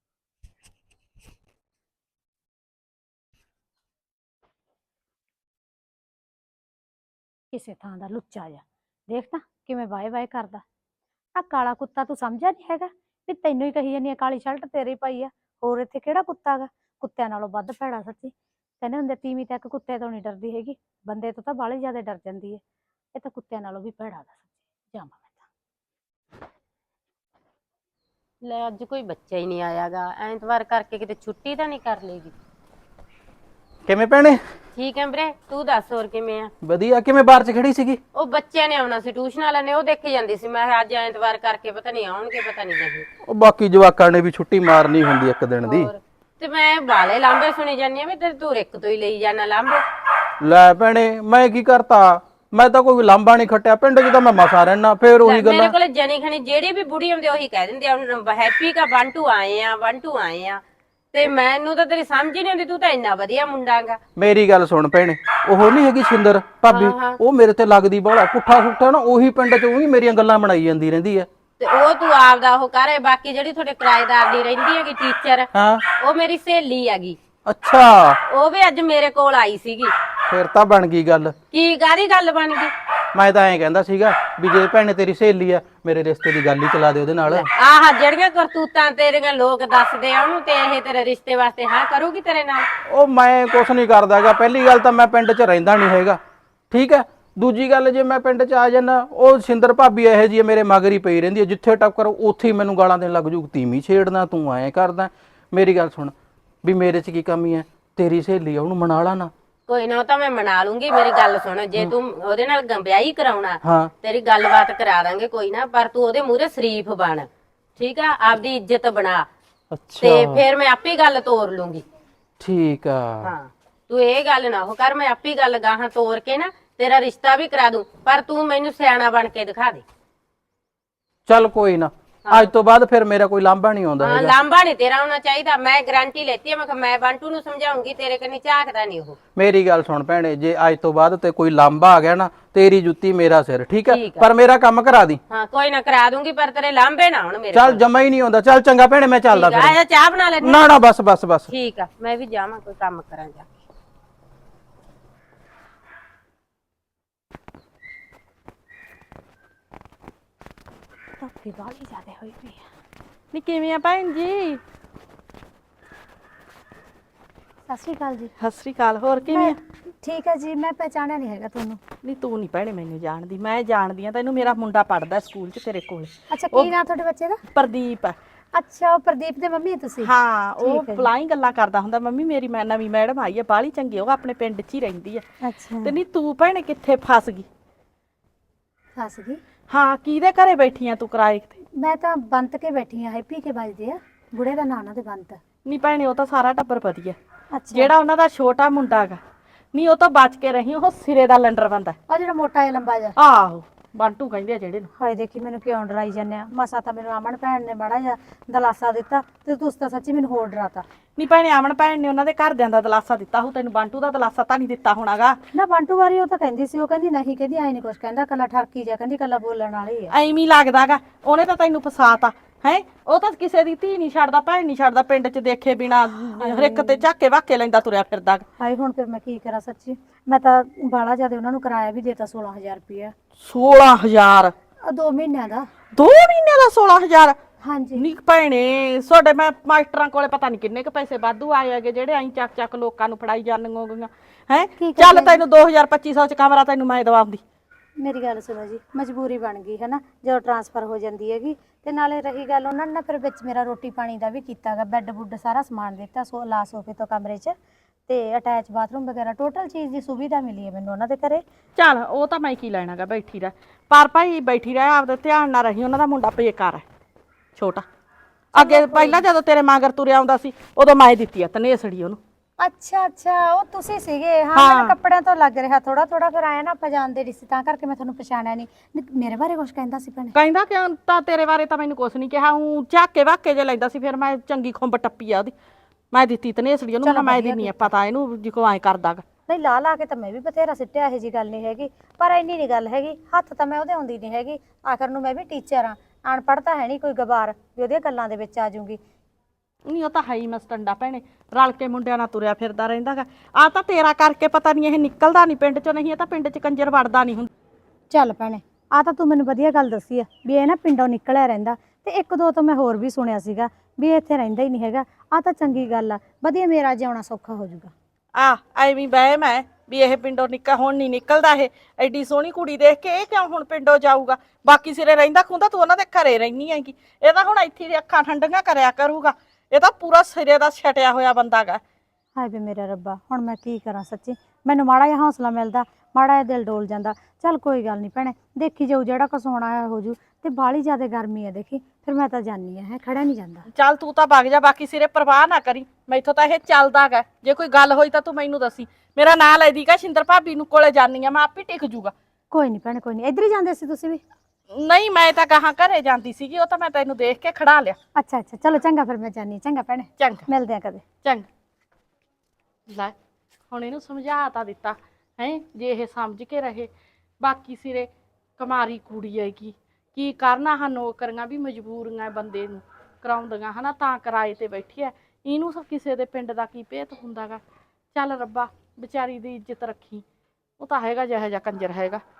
Speaker 2: ਕਿਸੇ ਥਾਂ ਦਾ ਲੁੱਚਾ ਜਾ ਦੇਖ ਤਾਂ ਕਿਵੇਂ ਵਾਏ ਵਾਏ ਕਰਦਾ। ਆ ਕਾਲਾ ਕੁੱਤਾ ਤੂੰ ਸਮਝਿਆ ਨਹੀਂ ਹੈਗਾ ਵੀ ਤੈਨੂੰ ਹੀ ਕਹੀ ਜਾਂਦੀ ਆ ਕਾਲੀ ਸ਼ਰਟ ਤੇਰੀ ਪਾਈ ਆ, ਹੋਰ ਇੱਥੇ ਕਿਹੜਾ ਕੁੱਤਾ ਗਾ? ਕੁੱਤਿਆਂ ਨਾਲੋਂ ਵੱਧ ਭੈੜਾ ਸੱਚੀ। ਕਹਿੰਦੇ ਹੁੰਦੇ ਤੀਵੀਂ ਤੱਕ ਕੁੱਤੇ ਤੋਂ ਨਹੀਂ ਡਰਦੀ ਹੈਗੀ, ਬੰਦੇ ਤੋਂ ਤਾਂ ਬਾਹਲੀ ਜ਼ਿਆਦਾ ਡਰ ਜਾਂਦੀ ਹੈ। ਇਹ ਤਾਂ ਕੁੱਤਿਆਂ ਨਾਲੋਂ ਵੀ ਭੈੜਾ ਗਾ ਸੱਚੀ। ਜਾਵਾਂ ਮੈਂ ਤਾਂ।
Speaker 4: ਲੈ ਅੱਜ ਕੋਈ ਬੱਚਾ ਹੀ ਨਹੀਂ ਆਇਆਗਾ, ਐਤਵਾਰ ਕਰਕੇ ਕਿਤੇ ਛੁੱਟੀ ਤਾਂ ਨਹੀਂ ਕਰ ਲੇਗੀ।
Speaker 1: ਕਿਵੇਂ ਭੈਣੇ?
Speaker 4: ਠੀਕ ਹੈ ਵੀਰੇ, ਤੂੰ ਦੱਸ ਹੋਰ ਕਿਵੇਂ ਆ?
Speaker 1: ਵਧੀਆ। ਕਿਵੇਂ ਬਾਹਰ 'ਚ ਖੜੀ ਸੀਗੀ?
Speaker 4: ਉਹ ਬੱਚਿਆਂ ਨੇ ਆਉਣਾ ਸੀ, ਟਿਊਸ਼ਨ ਵਾਲਿਆਂ ਨੇ, ਉਹ ਦੇਖੇ ਜਾਂਦੀ ਸੀ। ਮੈਂ ਕਿਹਾ ਅੱਜ ਐਤਵਾਰ ਕਰਕੇ ਪਤਾ ਨਹੀਂ ਆਉਣਗੇ, ਪਤਾ ਨਹੀਂ ਨਹੀਂ।
Speaker 1: ਉਹ ਬਾਕੀ ਜਵਾਕਾਂ ਨੇ ਵੀ ਛੁੱਟੀ ਮਾਰਨੀ ਹੁੰਦੀ ਇੱਕ ਦਿਨ ਦੀ।
Speaker 4: ਹੋਰ ਤੇ ਮੈਂ ਬਾਲੇ ਲਾਂਬੇ ਸੁਣੀ ਜਾਂਦੀ ਆ ਵੀ ਤੇ ਤੂੰ ਇੱਕ ਤੋਂ ਹੀ ਲਈ ਜਾਣਾ ਲਾਂਬੇ।
Speaker 1: ਲੈ ਭੈਣੇ ਮੈਂ ਕੀ ਕਰਤਾ, ਮੈਂ ਤਾਂ ਕੋਈ ਲਾਂਬਾ ਨਹੀਂ ਖੱਟਿਆ, ਪਿੰਡ 'ਚ ਤਾਂ ਮੈਂ ਮਸਾ ਰਹਿਣਾ। ਫੇਰ ਉਹੀ
Speaker 4: ਮੇਰੇ
Speaker 1: ਗੱਲਾਂ।
Speaker 4: ਕੋਲੇ ਜਣੀ ਖਣੀ ਜਿਹੜੀ ਵੀ ਬੁੜੀ ਹੁੰਦੀ ਉਹੀ ਕਹਿ ਦਿੰਦੀ ਆ ਹੈਪੀ ਕਾ ਬੰਟੂ ਆਏ ਆ, ਬੰਟੂ ਆਏ ਆ। ਤੇ ਮੈਨੂੰ ਤਾਂ ਤੇਰੀ ਸਮਝ ਹੀ ਨਹੀਂ ਆਉਂਦੀ, ਤੂੰ ਤਾਂ ਇੰਨਾ ਵਧੀਆ ਮੁੰਡਾ ਗਾ।
Speaker 1: ਮੇਰੀ ਗੱਲ ਸੁਣ ਭੈਣੇ, ਉਹ ਨਹੀਂ ਹੈਗੀ ਸਿੰਦਰ ਭਾਬੀ, ਉਹ ਮੇਰੇ ਤੇ ਲੱਗਦੀ ਬਾਹਲਾ ਪੁੱਠਾ ਸੁੱਠਾ ਨਾ, ਉਹੀ ਪਿੰਡ 'ਚ ਉਹੀ ਮੇਰੀਆਂ ਗੱਲਾਂ ਬਣਾਈ ਜਾਂਦੀ ਰਹਿੰਦੀ ਹੈ।
Speaker 4: ਤੇ ਉਹ ਤੂੰ ਆਪਦਾ ਉਹ ਕਰ। ਬਾਕੀ ਜਿਹੜੀ ਤੁਹਾਡੇ ਕਿਰਾਏਦਾਰ ਦੀ ਰਹਿੰਦੀ ਹੈਗੀ ਟੀਚਰ,
Speaker 1: ਹਾਂ
Speaker 4: ਉਹ ਮੇਰੀ ਸਹੇਲੀ ਹੈਗੀ।
Speaker 1: ਅੱਛਾ
Speaker 4: ਉਹ ਵੀ ਅੱਜ ਮੇਰੇ ਕੋਲ ਆਈ ਸੀਗੀ।
Speaker 1: ਫਿਰ ਤਾਂ ਬਣ ਗਈ ਗੱਲ।
Speaker 4: ਕੀ ਕਾਹਦੀ ਗੱਲ ਬਣ ਗਈ?
Speaker 1: ਮੈਂ ਤਾਂ ਐਂ ਕਹਿੰਦਾ ਸੀਗਾ ਵੀ ਜੇ ਭੈਣੇ ਤੇਰੀ ਸਹੇਲੀ ਆ, ਮੇਰੇ ਰਿਸ਼ਤੇ ਦੀ ਗੱਲ ਹੀ ਚਲਾ ਦੇ ਉਹਦੇ ਨਾਲ।
Speaker 4: ਆਹ ਜਿਹੜੀਆਂ ਕਰਤੂਤਾਂ ਤੇਰੀਆਂ ਲੋਕ ਦੱਸਦੇ ਆ ਉਹਨੂੰ, ਤੇ ਇਹ ਤੇਰੇ ਰਿਸ਼ਤੇ ਵਾਸਤੇ ਹਾਂ ਕਰੂਗੀ ਤੇਰੇ ਨਾਲ?
Speaker 1: ਉਹ ਮੈਂ ਕੁਛ ਨਹੀਂ ਕਰਦਾ ਹੈਗਾ। ਪਹਿਲੀ ਗੱਲ ਤਾਂ ਮੈਂ ਪਿੰਡ 'ਚ ਰਹਿੰਦਾ ਨਹੀਂ ਹੈਗਾ, ਠੀਕ ਹੈ। ਦੂਜੀ ਗੱਲ, ਜੇ ਮੈਂ ਪਿੰਡ 'ਚ ਆ ਜਾਣਾ, ਉਹ ਸਿੰਦਰ ਭਾਬੀ ਇਹੋ ਜਿਹੀ ਮੇਰੇ ਮਗਰ ਹੀ ਪਈ ਰਹਿੰਦੀ ਹੈ। ਜਿੱਥੇ ਟੱਕਰ ਉੱਥੇ ਹੀ ਮੈਨੂੰ ਗਾਲਾਂ ਦੇਣ ਲੱਗ ਜੂ, ਤੀਵੀਂ ਛੇੜਨਾ, ਤੂੰ ਐਂ ਕਰਦਾ। ਮੇਰੀ ਗੱਲ ਸੁਣ, ਵੀ ਮੇਰੇ 'ਚ ਕੀ ਕਮੀ ਹੈ? ਤੇਰੀ ਸਹੇਲੀ ਆ, ਉਹਨੂੰ ਮਨਾ ਲਾ ਨਾ।
Speaker 4: ਕੋਈ ਨਾ, ਉਹ ਤਾਂ ਮੈਂ ਮਨਾ ਲੂੰਗੀ। ਮੇਰੀ ਗੱਲ ਸੁਣ, ਜੇ ਤੂੰ ਉਹਦੇ ਨਾਲ ਵਿਆਹ ਕਰਾਉਣਾ,
Speaker 1: ਹਾਂ
Speaker 4: ਤੇਰੀ ਗੱਲਬਾਤ ਕਰਾ ਦਾਂਗੇ ਕੋਈ ਨਾ, ਪਰ ਤੂੰ ਉਹਦੇ ਮੂਹਰੇ ਸ਼ਰੀਫ ਬਣ, ਠੀਕ ਆ? ਆਪਦੀ ਇੱਜ਼ਤ ਬਣਾ,
Speaker 1: ਅੱਛਾ
Speaker 4: ਤੇ ਫਿਰ ਮੈਂ ਆਪੇ ਗੱਲ ਤੋਰ ਲੂੰਗੀ।
Speaker 1: ਠੀਕ ਆ।
Speaker 4: ਹਾਂ, ਤੂੰ ਇਹ ਗੱਲ ਨਾ ਉਹ ਕਰ, ਮੈਂ ਆਪੇ ਗੱਲ ਗਾਹਾਂ ਤੋਰ ਕੇ ਨਾ ਤੇਰਾ ਰਿਸ਼ਤਾ ਵੀ ਕਰਾ ਦੂੰ, ਪਰ ਤੂੰ ਮੈਨੂੰ ਸਿਆਣਾ ਬਣ ਕੇ ਦਿਖਾ ਦੇ।
Speaker 1: ਚੱਲ ਕੋਈ ਨਾ, ਅੱਜ ਤੋਂ ਬਾਅਦ ਫਿਰ ਮੇਰਾ ਕੋਈ ਲਾਂਭਾ ਨਹੀਂ ਆਉਂਦਾ
Speaker 4: ਹਾਂ,
Speaker 1: ਹੈਗਾ।
Speaker 4: ਲਾਂਭਾ ਨਹੀਂ ਤੇਰਾ ਹੋਣਾ ਚਾਹੀਦਾ। ਮੈਂ ਗਾਰੰਟੀ ਲੈਤੀ ਹੈ, ਮੈਂ ਕਿਹਾ ਮੈਂ ਬੰਟੂ ਨੂੰ ਸਮਝਾਉਂਗੀ, ਤੇਰੇ ਕੰਨੀ ਝਾਕਦਾ ਨਹੀਂ ਉਹ।
Speaker 1: ਮੇਰੀ ਗੱਲ ਸੁਣ ਭੈਣੇ, ਜੇ ਅੱਜ ਤੋਂ ਬਾਅਦ ਤੇ ਕੋਈ ਲਾਂਭਾ ਆ ਗਿਆ ਨਾ, ਤੇਰੀ ਜੁੱਤੀ ਮੇਰਾ ਸਿਰ, ਠੀਕ ਹੈ?
Speaker 4: ਠੀਕ ਆ।
Speaker 1: ਪਰ ਮੇਰਾ ਕੰਮ ਕਰਾ ਦੀ।
Speaker 4: ਹਾਂ, ਕੋਈ ਨਾ ਕਰਾ ਦੂੰਗੀ, ਪਰ ਤੇਰੇ ਲਾਂਭੇ ਨਾ ਹੁਣ ਮੇਰੇ
Speaker 1: ਚੱਲ ਜਮਾ ਹੀ ਨਹੀਂ ਆਉਂਦਾ। ਚੱਲ ਚੰਗਾ ਭੈਣੇ, ਮੈਂ ਚੱਲਦਾ
Speaker 4: ਠੀਕ ਆ,
Speaker 1: ਫਿਰ।
Speaker 4: ਆਇਆ ਚਾਹ ਬਣਾ ਲੈਣੀ?
Speaker 1: ਨਾ ਨਾ, ਬਸ ਬਸ ਬਸ।
Speaker 4: ਠੀਕ ਆ, ਮੈਂ ਵੀ ਜਾਵਾਂ, ਕੋਈ ਕੰਮ ਕਰਾਂ ਜਾ ਕੇ।
Speaker 2: ਧੁੱਪੀ ਬਾਹਲੀ ਜ਼ਿਆਦਾ ਹੋਈ ਪਈ ਆ।
Speaker 3: ਨੀ ਕਿਵੇਂ ਆ ਭੈਣ ਜੀ?
Speaker 2: ਸਤਿ ਸ਼੍ਰੀ ਅਕਾਲ ਜੀ।
Speaker 3: ਸਤਿ ਸ੍ਰੀ ਅਕਾਲ। ਹੋਰ ਕਿਵੇਂ ਆ?
Speaker 2: ਠੀਕ ਹੈ ਜੀ, ਮੈਂ ਪਹਿਚਾਣਿਆ ਨਹੀਂ ਹੈਗਾ ਤੁਹਾਨੂੰ।
Speaker 3: ਨਹੀਂ ਤੂੰ ਨਹੀਂ ਭੈਣੇ ਮੈਨੂੰ ਜਾਣਦੀ, ਮੈਂ ਜਾਣਦੀ ਆ ਤੈਨੂੰ। ਮੇਰਾ ਮੁੰਡਾ ਪੜਦਾ ਸਕੂਲ 'ਚ ਤੇਰੇ ਕੋਲ।
Speaker 2: ਅੱਛਾ, ਕੀ ਨਾਂ ਤੁਹਾਡੇ ਬੱਚੇ ਦਾ?
Speaker 3: ਪ੍ਰਦੀਪ।
Speaker 2: ਅੱਛਾ, ਉਹ ਪ੍ਰਦੀਪ ਦੇ ਮੰਮੀ ਤੁਸੀਂ?
Speaker 3: ਹਾਂ, ਉਹ
Speaker 2: ਠੀਕ ਹੈ ਜੀ।
Speaker 3: ਫਲਾਈ ਗੱਲਾਂ ਕਰਦਾ ਹੁੰਦਾ, ਮੰਮੀ ਮੇਰੀ ਮੈਂ ਨਵੀਂ ਮੈਡਮ ਆਈ ਆ, ਬਾਹਲੀ ਚੰਗੀ, ਉਹ ਆਪਣੇ ਪਿੰਡ 'ਚ ਹੀ ਰਹਿੰਦੀ ਆ।
Speaker 2: ਅੱਛਾ,
Speaker 3: ਤੇ ਨਹੀਂ ਤੂੰ ਭੈਣੇ ਕਿੱਥੇ ਫਸ ਗਈ?
Speaker 2: ਫਸ ਗਈ?
Speaker 3: ਹਾਂ, ਕਿਹਦੇ ਘਰੇ ਬੈਠੀ ਆ ਤੂੰ ਕਿਰਾਏ ਤੇ?
Speaker 2: ਮੈਂ ਤਾਂ ਬੰਤ ਕੇ ਬੈਠੀ ਆ, ਹੈਪੀ ਕੇ ਵੱਜਦੇ ਆ, ਬੁੜੇ ਦਾ ਨਾਂ ਉਹਨਾਂ ਦੇ ਬੰਤ।
Speaker 3: ਨਹੀਂ ਭੈਣੇ, ਉਹ ਤਾਂ ਸਾਰਾ ਟੱਬਰ ਵਧੀਆ।
Speaker 2: ਅੱਛਾ,
Speaker 3: ਜਿਹੜਾ ਉਹਨਾਂ ਦਾ ਛੋਟਾ ਮੁੰਡਾ ਹੈਗਾ, ਨਹੀਂ ਉਹ ਤਾਂ ਬਚ ਕੇ ਰਹੀ, ਉਹ ਸਿਰੇ ਦਾ ਲੰਡਰ ਬੰਦਾ।
Speaker 2: ਉਹ ਜਿਹੜਾ ਮੋਟਾ ਜਿਹਾ ਲੰਬਾ ਜਿਹਾ?
Speaker 3: ਆਹੋ, ਬੰਟੂ ਕਹਿੰਦੇ ਆ ਜਿਹੜੇ ਨੂੰ।
Speaker 2: ਹਾਏ ਦੇਖੀ, ਮੈਨੂੰ ਕਿਉਂ ਡਰਾਈ ਜਾਂਦੇ ਆ? ਮਸਾ ਤਾਂ ਮੈਨੂੰ ਅਮਨ ਭੈਣ ਨੇ ਮਾੜਾ ਜਿਹਾ ਦਲਾਸਾ ਦਿੱਤਾ, ਤੇ ਤੁਸੀਂ ਤਾਂ ਸੱਚੀ ਮੈਨੂੰ ਹੋਰ ਡਰਾਤਾ।
Speaker 3: ਨਹੀਂ ਭੈਣੇ, ਅਮਨ ਭੈਣ ਨੇ ਉਹਨਾਂ ਦੇ ਘਰਦਿਆਂ ਦਾ ਦਲਾਸਾ ਦਿੱਤਾ ਹੋ, ਤੈਨੂੰ ਬੰਟੂ ਦਾ ਦਲਾਸਾ ਤਾਂ ਨਹੀਂ ਦਿੱਤਾ ਹੋਣਾਗਾ।
Speaker 2: ਨਾ ਬੰਟੂ ਵਾਰੀ ਉਹ ਤਾਂ ਕਹਿੰਦੀ ਸੀ, ਉਹ ਕਹਿੰਦੀ ਨਹੀਂ, ਕਹਿੰਦੀ ਐ ਨਹੀਂ ਕੁਛ ਕਹਿੰਦਾ, ਕੱਲਾ ਠਰਕੀ ਜਾ, ਕਹਿੰਦੀ ਕੱਲਾ ਬੋਲਣ ਵਾਲੀ ਆ।
Speaker 3: ਐਵੇਂ ਹੀ ਲੱਗਦਾਗਾ, ਉਹਨੇ ਤਾਂ ਤੈਨੂੰ ਫਸਾਤਾ ਹੈ। ਉਹ ਤਾਂ ਕਿਸੇ ਦੀ ਧੀ ਨਹੀਂ ਛੱਡਦਾ, ਭੈਣ ਨਹੀਂ ਛੱਡਦਾ, ਪਿੰਡ 'ਚ ਦੇਖੇ ਬਿਨਾ ਹਰਿੱਕ ਤੇ ਝਾਕੇ ਵਾਕੇ ਲੈਂਦਾ ਤੁਰਿਆ ਫਿਰਦਾ।
Speaker 2: ਹਾਏ, ਹੁਣ ਫਿਰ ਮੈਂ ਕੀ ਕਰਾਂ ਸੱਚੀ? ਮੈਂ ਤਾਂ ਬਾਲਾ ਜਿਆਦਾ ਉਹਨਾਂ ਨੂੰ ਕਿਰਾਇਆ ਵੀ ਦੇਤਾ, ਸੋਲਾਂ ਹਜ਼ਾਰ ਰੁਪਇਆ।
Speaker 3: ਸੋਲਾਂ ਹਜ਼ਾਰ?
Speaker 2: ਦੋ ਮਹੀਨਿਆਂ ਦਾ।
Speaker 3: ਦੋ ਮਹੀਨਿਆਂ ਦਾ ਸੋਲਾਂ ਹਜ਼ਾਰ?
Speaker 2: ਹਾਂਜੀ।
Speaker 3: ਨੀ ਭੈਣੇ, ਤੁਹਾਡੇ ਮੈਂ ਮਾਸਟਰਾਂ ਕੋਲੇ ਪਤਾ ਨਹੀਂ ਕਿੰਨੇ ਕ ਪੈਸੇ ਵਾਧੂ ਆਏ ਹੈਗੇ, ਜਿਹੜੇ ਐਂ ਚੱਕ ਚੱਕ ਲੋਕਾਂ ਨੂੰ ਫੜਾਈ ਜਾਂਦੀਆਂ ਗਈਆਂ ਹੈ।
Speaker 2: ਕੀ ਕਰੀਏ?
Speaker 3: ਚੱਲ ਤੈਨੂੰ ਦੋ ਹਜ਼ਾਰ ਪੱਚੀ ਸੌ 'ਚ ਕਮਰਾ ਤੈਨੂੰ ਮੈਂ ਦਵਾਉਂਦੀ।
Speaker 2: ਮੇਰੀ ਗੱਲ ਸੁਣੋ ਜੀ, ਮਜਬੂਰੀ ਬਣ ਗਈ ਹੈ ਨਾ, ਜਦੋਂ ਟਰਾਂਸਫਰ ਹੋ ਜਾਂਦੀ ਹੈਗੀ। ਤੇ ਨਾਲੇ ਰਹੀ ਗੱਲ, ਉਹਨਾਂ ਨੇ ਨਾ ਫਿਰ ਵਿੱਚ ਮੇਰਾ ਰੋਟੀ ਪਾਣੀ ਦਾ ਵੀ ਕੀਤਾਗਾ, ਬੈੱਡ ਬੁੱਡ ਸਾਰਾ ਸਮਾਨ ਦਿੱਤਾ, ਸੋ ਲਾ ਸੋਫੇ ਤੋਂ ਕਮਰੇ 'ਚ, ਤੇ ਅਟੈਚ ਬਾਥਰੂਮ ਵਗੈਰਾ, ਟੋਟਲ ਚੀਜ਼ ਦੀ ਸੁਵਿਧਾ ਮਿਲੀ ਹੈ ਮੈਨੂੰ ਉਹਨਾਂ ਦੇ ਘਰੇ।
Speaker 3: ਚੱਲ ਉਹ ਤਾਂ ਮੈਂ ਕੀ ਲੈਣਾਗਾ, ਬੈਠੀ ਰਹਿ। ਪਰ ਭਾਈ ਬੈਠੀ ਰਹਿ, ਆਪਦੇ ਧਿਆਨ ਨਾਲ ਰਹੀ, ਉਹਨਾਂ ਦਾ ਮੁੰਡਾ ਬੇਕਾਰ ਹੈ, ਛੋਟਾ। ਅੱਗੇ ਪਹਿਲਾਂ ਜਦੋਂ ਤੇਰੇ ਮਾਂਗਰ ਤੁਰਿਆ ਆਉਂਦਾ ਸੀ, ਉਦੋਂ ਮੈਂ ਦਿੱਤੀ ਆ ਤਨੇਸੜੀ ਉਹਨੂੰ।
Speaker 2: ਅੱਛਾ ਅੱਛਾ, ਉਹ ਤੁਸੀਂ ਸੀਗੇ? ਹਾਂ, ਮੈਨੂੰ ਕੱਪੜਿਆਂ ਤੋਂ ਲੱਗ ਰਿਹਾ ਥੋੜਾ ਥੋੜਾ, ਫਿਰ ਆਇਆ ਨਾ ਆਪਾਂ ਜਾਣਦੇ ਨਹੀਂ ਸੀ, ਤਾਂ ਕਰਕੇ ਮੈਂ ਤੁਹਾਨੂੰ ਪਛਾਣਿਆ ਨਹੀਂ। ਮੇਰੇ ਬਾਰੇ ਕੁਝ ਕਹਿੰਦਾ ਸੀ ਭੈਣੇ?
Speaker 3: ਕਹਿੰਦਾ ਕਿਉਂ? ਤਾਂ ਤੇਰੇ ਬਾਰੇ ਤਾਂ ਮੈਨੂੰ ਕੁਛ ਨਹੀਂ ਕਿਹਾ, ਉਹ ਝਾਕੇ ਵਾਕੇ ਜੇ ਲੈਂਦਾ ਸੀ, ਫਿਰ ਮੈਂ ਚੰਗੀ ਖੁੰਬ ਟੱਪੀ ਆ ਉਹਦੀ, ਮੈਂ ਦਿੱਤੀ ਤਨੇਸੜੀ ਉਹਨੂੰ। ਮੈਂ ਦਿੰਨੀ ਆ ਪਤਾ ਇਹਨੂੰ ਜਿਕੋ ਐਂ ਕਰਦਾਗਾ।
Speaker 2: ਨਹੀਂ, ਲਾ ਲਾ ਕੇ ਤਾਂ ਮੈਂ ਵੀ ਬਥੇਰਾ ਸਿੱਟਿਆ, ਇਹੋ ਜੀ ਗੱਲ ਨਹੀਂ ਹੈਗੀ, ਪਰ ਇੰਨੀ ਨਹੀਂ ਗੱਲ ਹੈਗੀ, ਹੱਥ ਤਾਂ ਮੈਂ ਉਹਦੇ ਆਉਂਦੀ ਨਹੀਂ ਹੈਗੀ। ਆਖਰ ਨੂੰ ਮੈਂ ਵੀ ਟੀਚਰ ਆ, ਅਨਪੜ੍ਹ ਤਾਂ ਹੈ ਨਹੀਂ ਕੋਈ ਗਵਾਰ ਵੀ ਉਹਦੀਆਂ ਗੱਲਾਂ ਦੇ ਵਿੱਚ ਆ ਜਾਊਂਗੀ।
Speaker 3: ਨਹੀਂ, ਉਹ ਤਾਂ ਹੈ ਹੀ ਮਸਟੰਡਾ ਭੈਣੇ, ਰਲ ਕੇ ਮੁੰਡਿਆਂ ਨਾਲ ਤੁਰਿਆ ਫਿਰਦਾ ਰਹਿੰਦਾਗਾ। ਆ ਤਾਂ ਤੇਰਾ ਕਰਕੇ ਪਤਾ ਨਹੀਂ ਇਹ ਨਿਕਲਦਾ ਨਹੀਂ ਪਿੰਡ 'ਚੋਂ, ਨਹੀਂ ਇਹ ਤਾਂ ਪਿੰਡ 'ਚ ਕੰਜਰ ਵੜਦਾ ਨਹੀਂ ਹੁੰਦਾ।
Speaker 2: ਚੱਲ ਭੈਣੇ, ਆ ਤਾਂ ਤੂੰ ਮੈਨੂੰ ਵਧੀਆ ਗੱਲ ਦੱਸੀ ਆ ਵੀ ਇਹ ਨਾ ਪਿੰਡੋਂ ਨਿਕਲਿਆ ਰਹਿੰਦਾ, ਤੇ ਇੱਕ ਦੋ ਤੋਂ ਮੈਂ ਹੋਰ ਵੀ ਸੁਣਿਆ ਸੀਗਾ ਵੀ ਇਹ ਇੱਥੇ ਰਹਿੰਦਾ ਹੀ ਨਹੀਂ ਹੈਗਾ। ਆ ਤਾਂ ਚੰਗੀ ਗੱਲ ਆ, ਵਧੀਆ, ਮੇਰਾ ਜਿਉਣਾ ਸੌਖਾ ਹੋ ਜਾਊਗਾ।
Speaker 3: ਆ ਐਵੇਂ ਵਹਿਮ ਹੈ ਵੀ ਇਹ ਪਿੰਡੋਂ ਨਿਕਲ, ਹੁਣ ਨਹੀਂ ਨਿਕਲਦਾ ਇਹ। ਐਡੀ ਸੋਹਣੀ ਕੁੜੀ ਦੇਖ ਕੇ ਇਹ ਕਿਉਂ ਹੁਣ ਪਿੰਡੋਂ ਜਾਊਗਾ? ਬਾਕੀ ਸਿਰੇ ਰਹਿੰਦਾ ਖੁੰਦਾ, ਤੂੰ ਉਹਨਾਂ ਦੇ ਘਰੇ ਰਹਿਨੀ ਹੈਗੀ। ਇਹ ਤਾਂ ਹੁਣ ਇੱਥੇ ਦੀ ਅੱਖਾਂ ਠੰਡੀਆਂ ਕਰਿਆ ਕਰੂਗਾ, ਇਹ ਤਾਂ ਪੂਰਾ ਸਿਰੇ ਦਾ ਛਟਿਆ ਹੋਇਆ ਬੰਦਾ ਗਾ।
Speaker 2: ਹਾਏ ਵੇ ਮੇਰਾ ਰੱਬਾ, ਹੁਣ ਮੈਂ ਕੀ ਕਰਾਂ ਸੱਚੀ? ਮੈਨੂੰ ਮਾੜਾ ਜਿਹਾ ਹੌਸਲਾ ਮਿਲਦਾ, ਮਾੜਾ ਜਿਹਾ ਦਿਲ ਡੋਲ ਜਾਂਦਾ। ਚੱਲ ਕੋਈ ਗੱਲ ਨਹੀਂ ਭੈਣੇ, ਦੇਖੀ ਜਾਊ, ਜਿਹੜਾ ਕੁਛ ਹੋਣਾ ਹੈ ਹੋ ਜੂ। ਤੇ ਬਾਹਲੀ ਜ਼ਿਆਦਾ ਗਰਮੀ ਹੈ ਦੇਖੀ, ਫਿਰ ਮੈਂ ਤਾਂ ਜਾਨੀ ਆ, ਹੈ ਖੜਾ ਨਹੀਂ ਜਾਂਦਾ।
Speaker 3: ਚੱਲ ਤੂੰ ਤਾਂ ਵਗ ਜਾ, ਬਾਕੀ ਸਿਰੇ ਪਰਵਾਹ ਨਾ ਕਰੀ, ਮੈਥੋਂ ਤਾਂ ਇਹ ਚੱਲਦਾ ਗਾ। ਜੇ ਕੋਈ ਗੱਲ ਹੋਈ ਤਾਂ ਤੂੰ ਮੈਨੂੰ ਦੱਸੀ, ਮੇਰਾ ਨਾਂ ਲੈ ਦੀ ਕਾ ਸ਼ਿੰਦਰ ਭਾਬੀ ਨੂੰ ਕੋਲੇ ਜਾਨੀ ਆ, ਮੈਂ ਆਪੇ ਟਿਕ ਜੂਗਾ।
Speaker 2: ਕੋਈ ਨਹੀਂ ਭੈਣੇ, ਕੋਈ ਨਹੀਂ, ਇੱਧਰ ਹੀ ਜਾਂਦੇ ਸੀ ਤੁਸੀਂ ਵੀ?
Speaker 3: ਨਹੀਂ, ਮੈਂ ਤਾਂ ਗਾਹਾਂ ਘਰੇ ਜਾਂਦੀ ਸੀਗੀ, ਉਹ ਤਾਂ ਮੈਂ ਤੈਨੂੰ ਦੇਖ ਕੇ ਖੜਾ ਲਿਆ।
Speaker 2: ਅੱਛਾ ਅੱਛਾ, ਚਲੋ ਚੰਗਾ, ਫਿਰ ਮੈਂ ਜਾਨੀ। ਚੰਗਾ ਭੈਣੇ,
Speaker 3: ਚੰਗਾ,
Speaker 2: ਮਿਲਦੇ ਆ ਕਦੇ।
Speaker 3: ਚੰਗਾ। ਲੈ, ਹੁਣ ਇਹਨੂੰ ਸਮਝਾ ਤਾਂ ਦਿੱਤਾ ਹੈ, ਜੇ ਇਹ ਸਮਝ ਕੇ ਰਹੇ। ਬਾਕੀ ਸਿਰੇ ਕੁਮਾਰੀ ਕੁੜੀ ਹੈਗੀ, ਕੀ ਕਰਨਾ ਆਹ ਨੌਕਰੀਆਂ ਵੀ ਮਜਬੂਰੀਆਂ ਬੰਦੇ ਨੂੰ ਕਰਾਉਂਦੀਆਂ ਹਨਾ, ਤਾਂ ਕਿਰਾਏ ਤੇ ਬੈਠੀ ਐ। ਇਹਨੂੰ ਸਭ ਕਿਸੇ ਦੇ ਪਿੰਡ ਦਾ ਕੀ ਭੇਤ ਹੁੰਦਾਗਾ। ਚੱਲ ਰੱਬਾ ਵਿਚਾਰੀ ਦੀ ਇੱਜ਼ਤ ਰੱਖੀ, ਉਹ ਤਾਂ ਹੈਗਾ ਜਿਹੋ ਜਿਹਾ ਕੰਜਰ ਹੈਗਾ।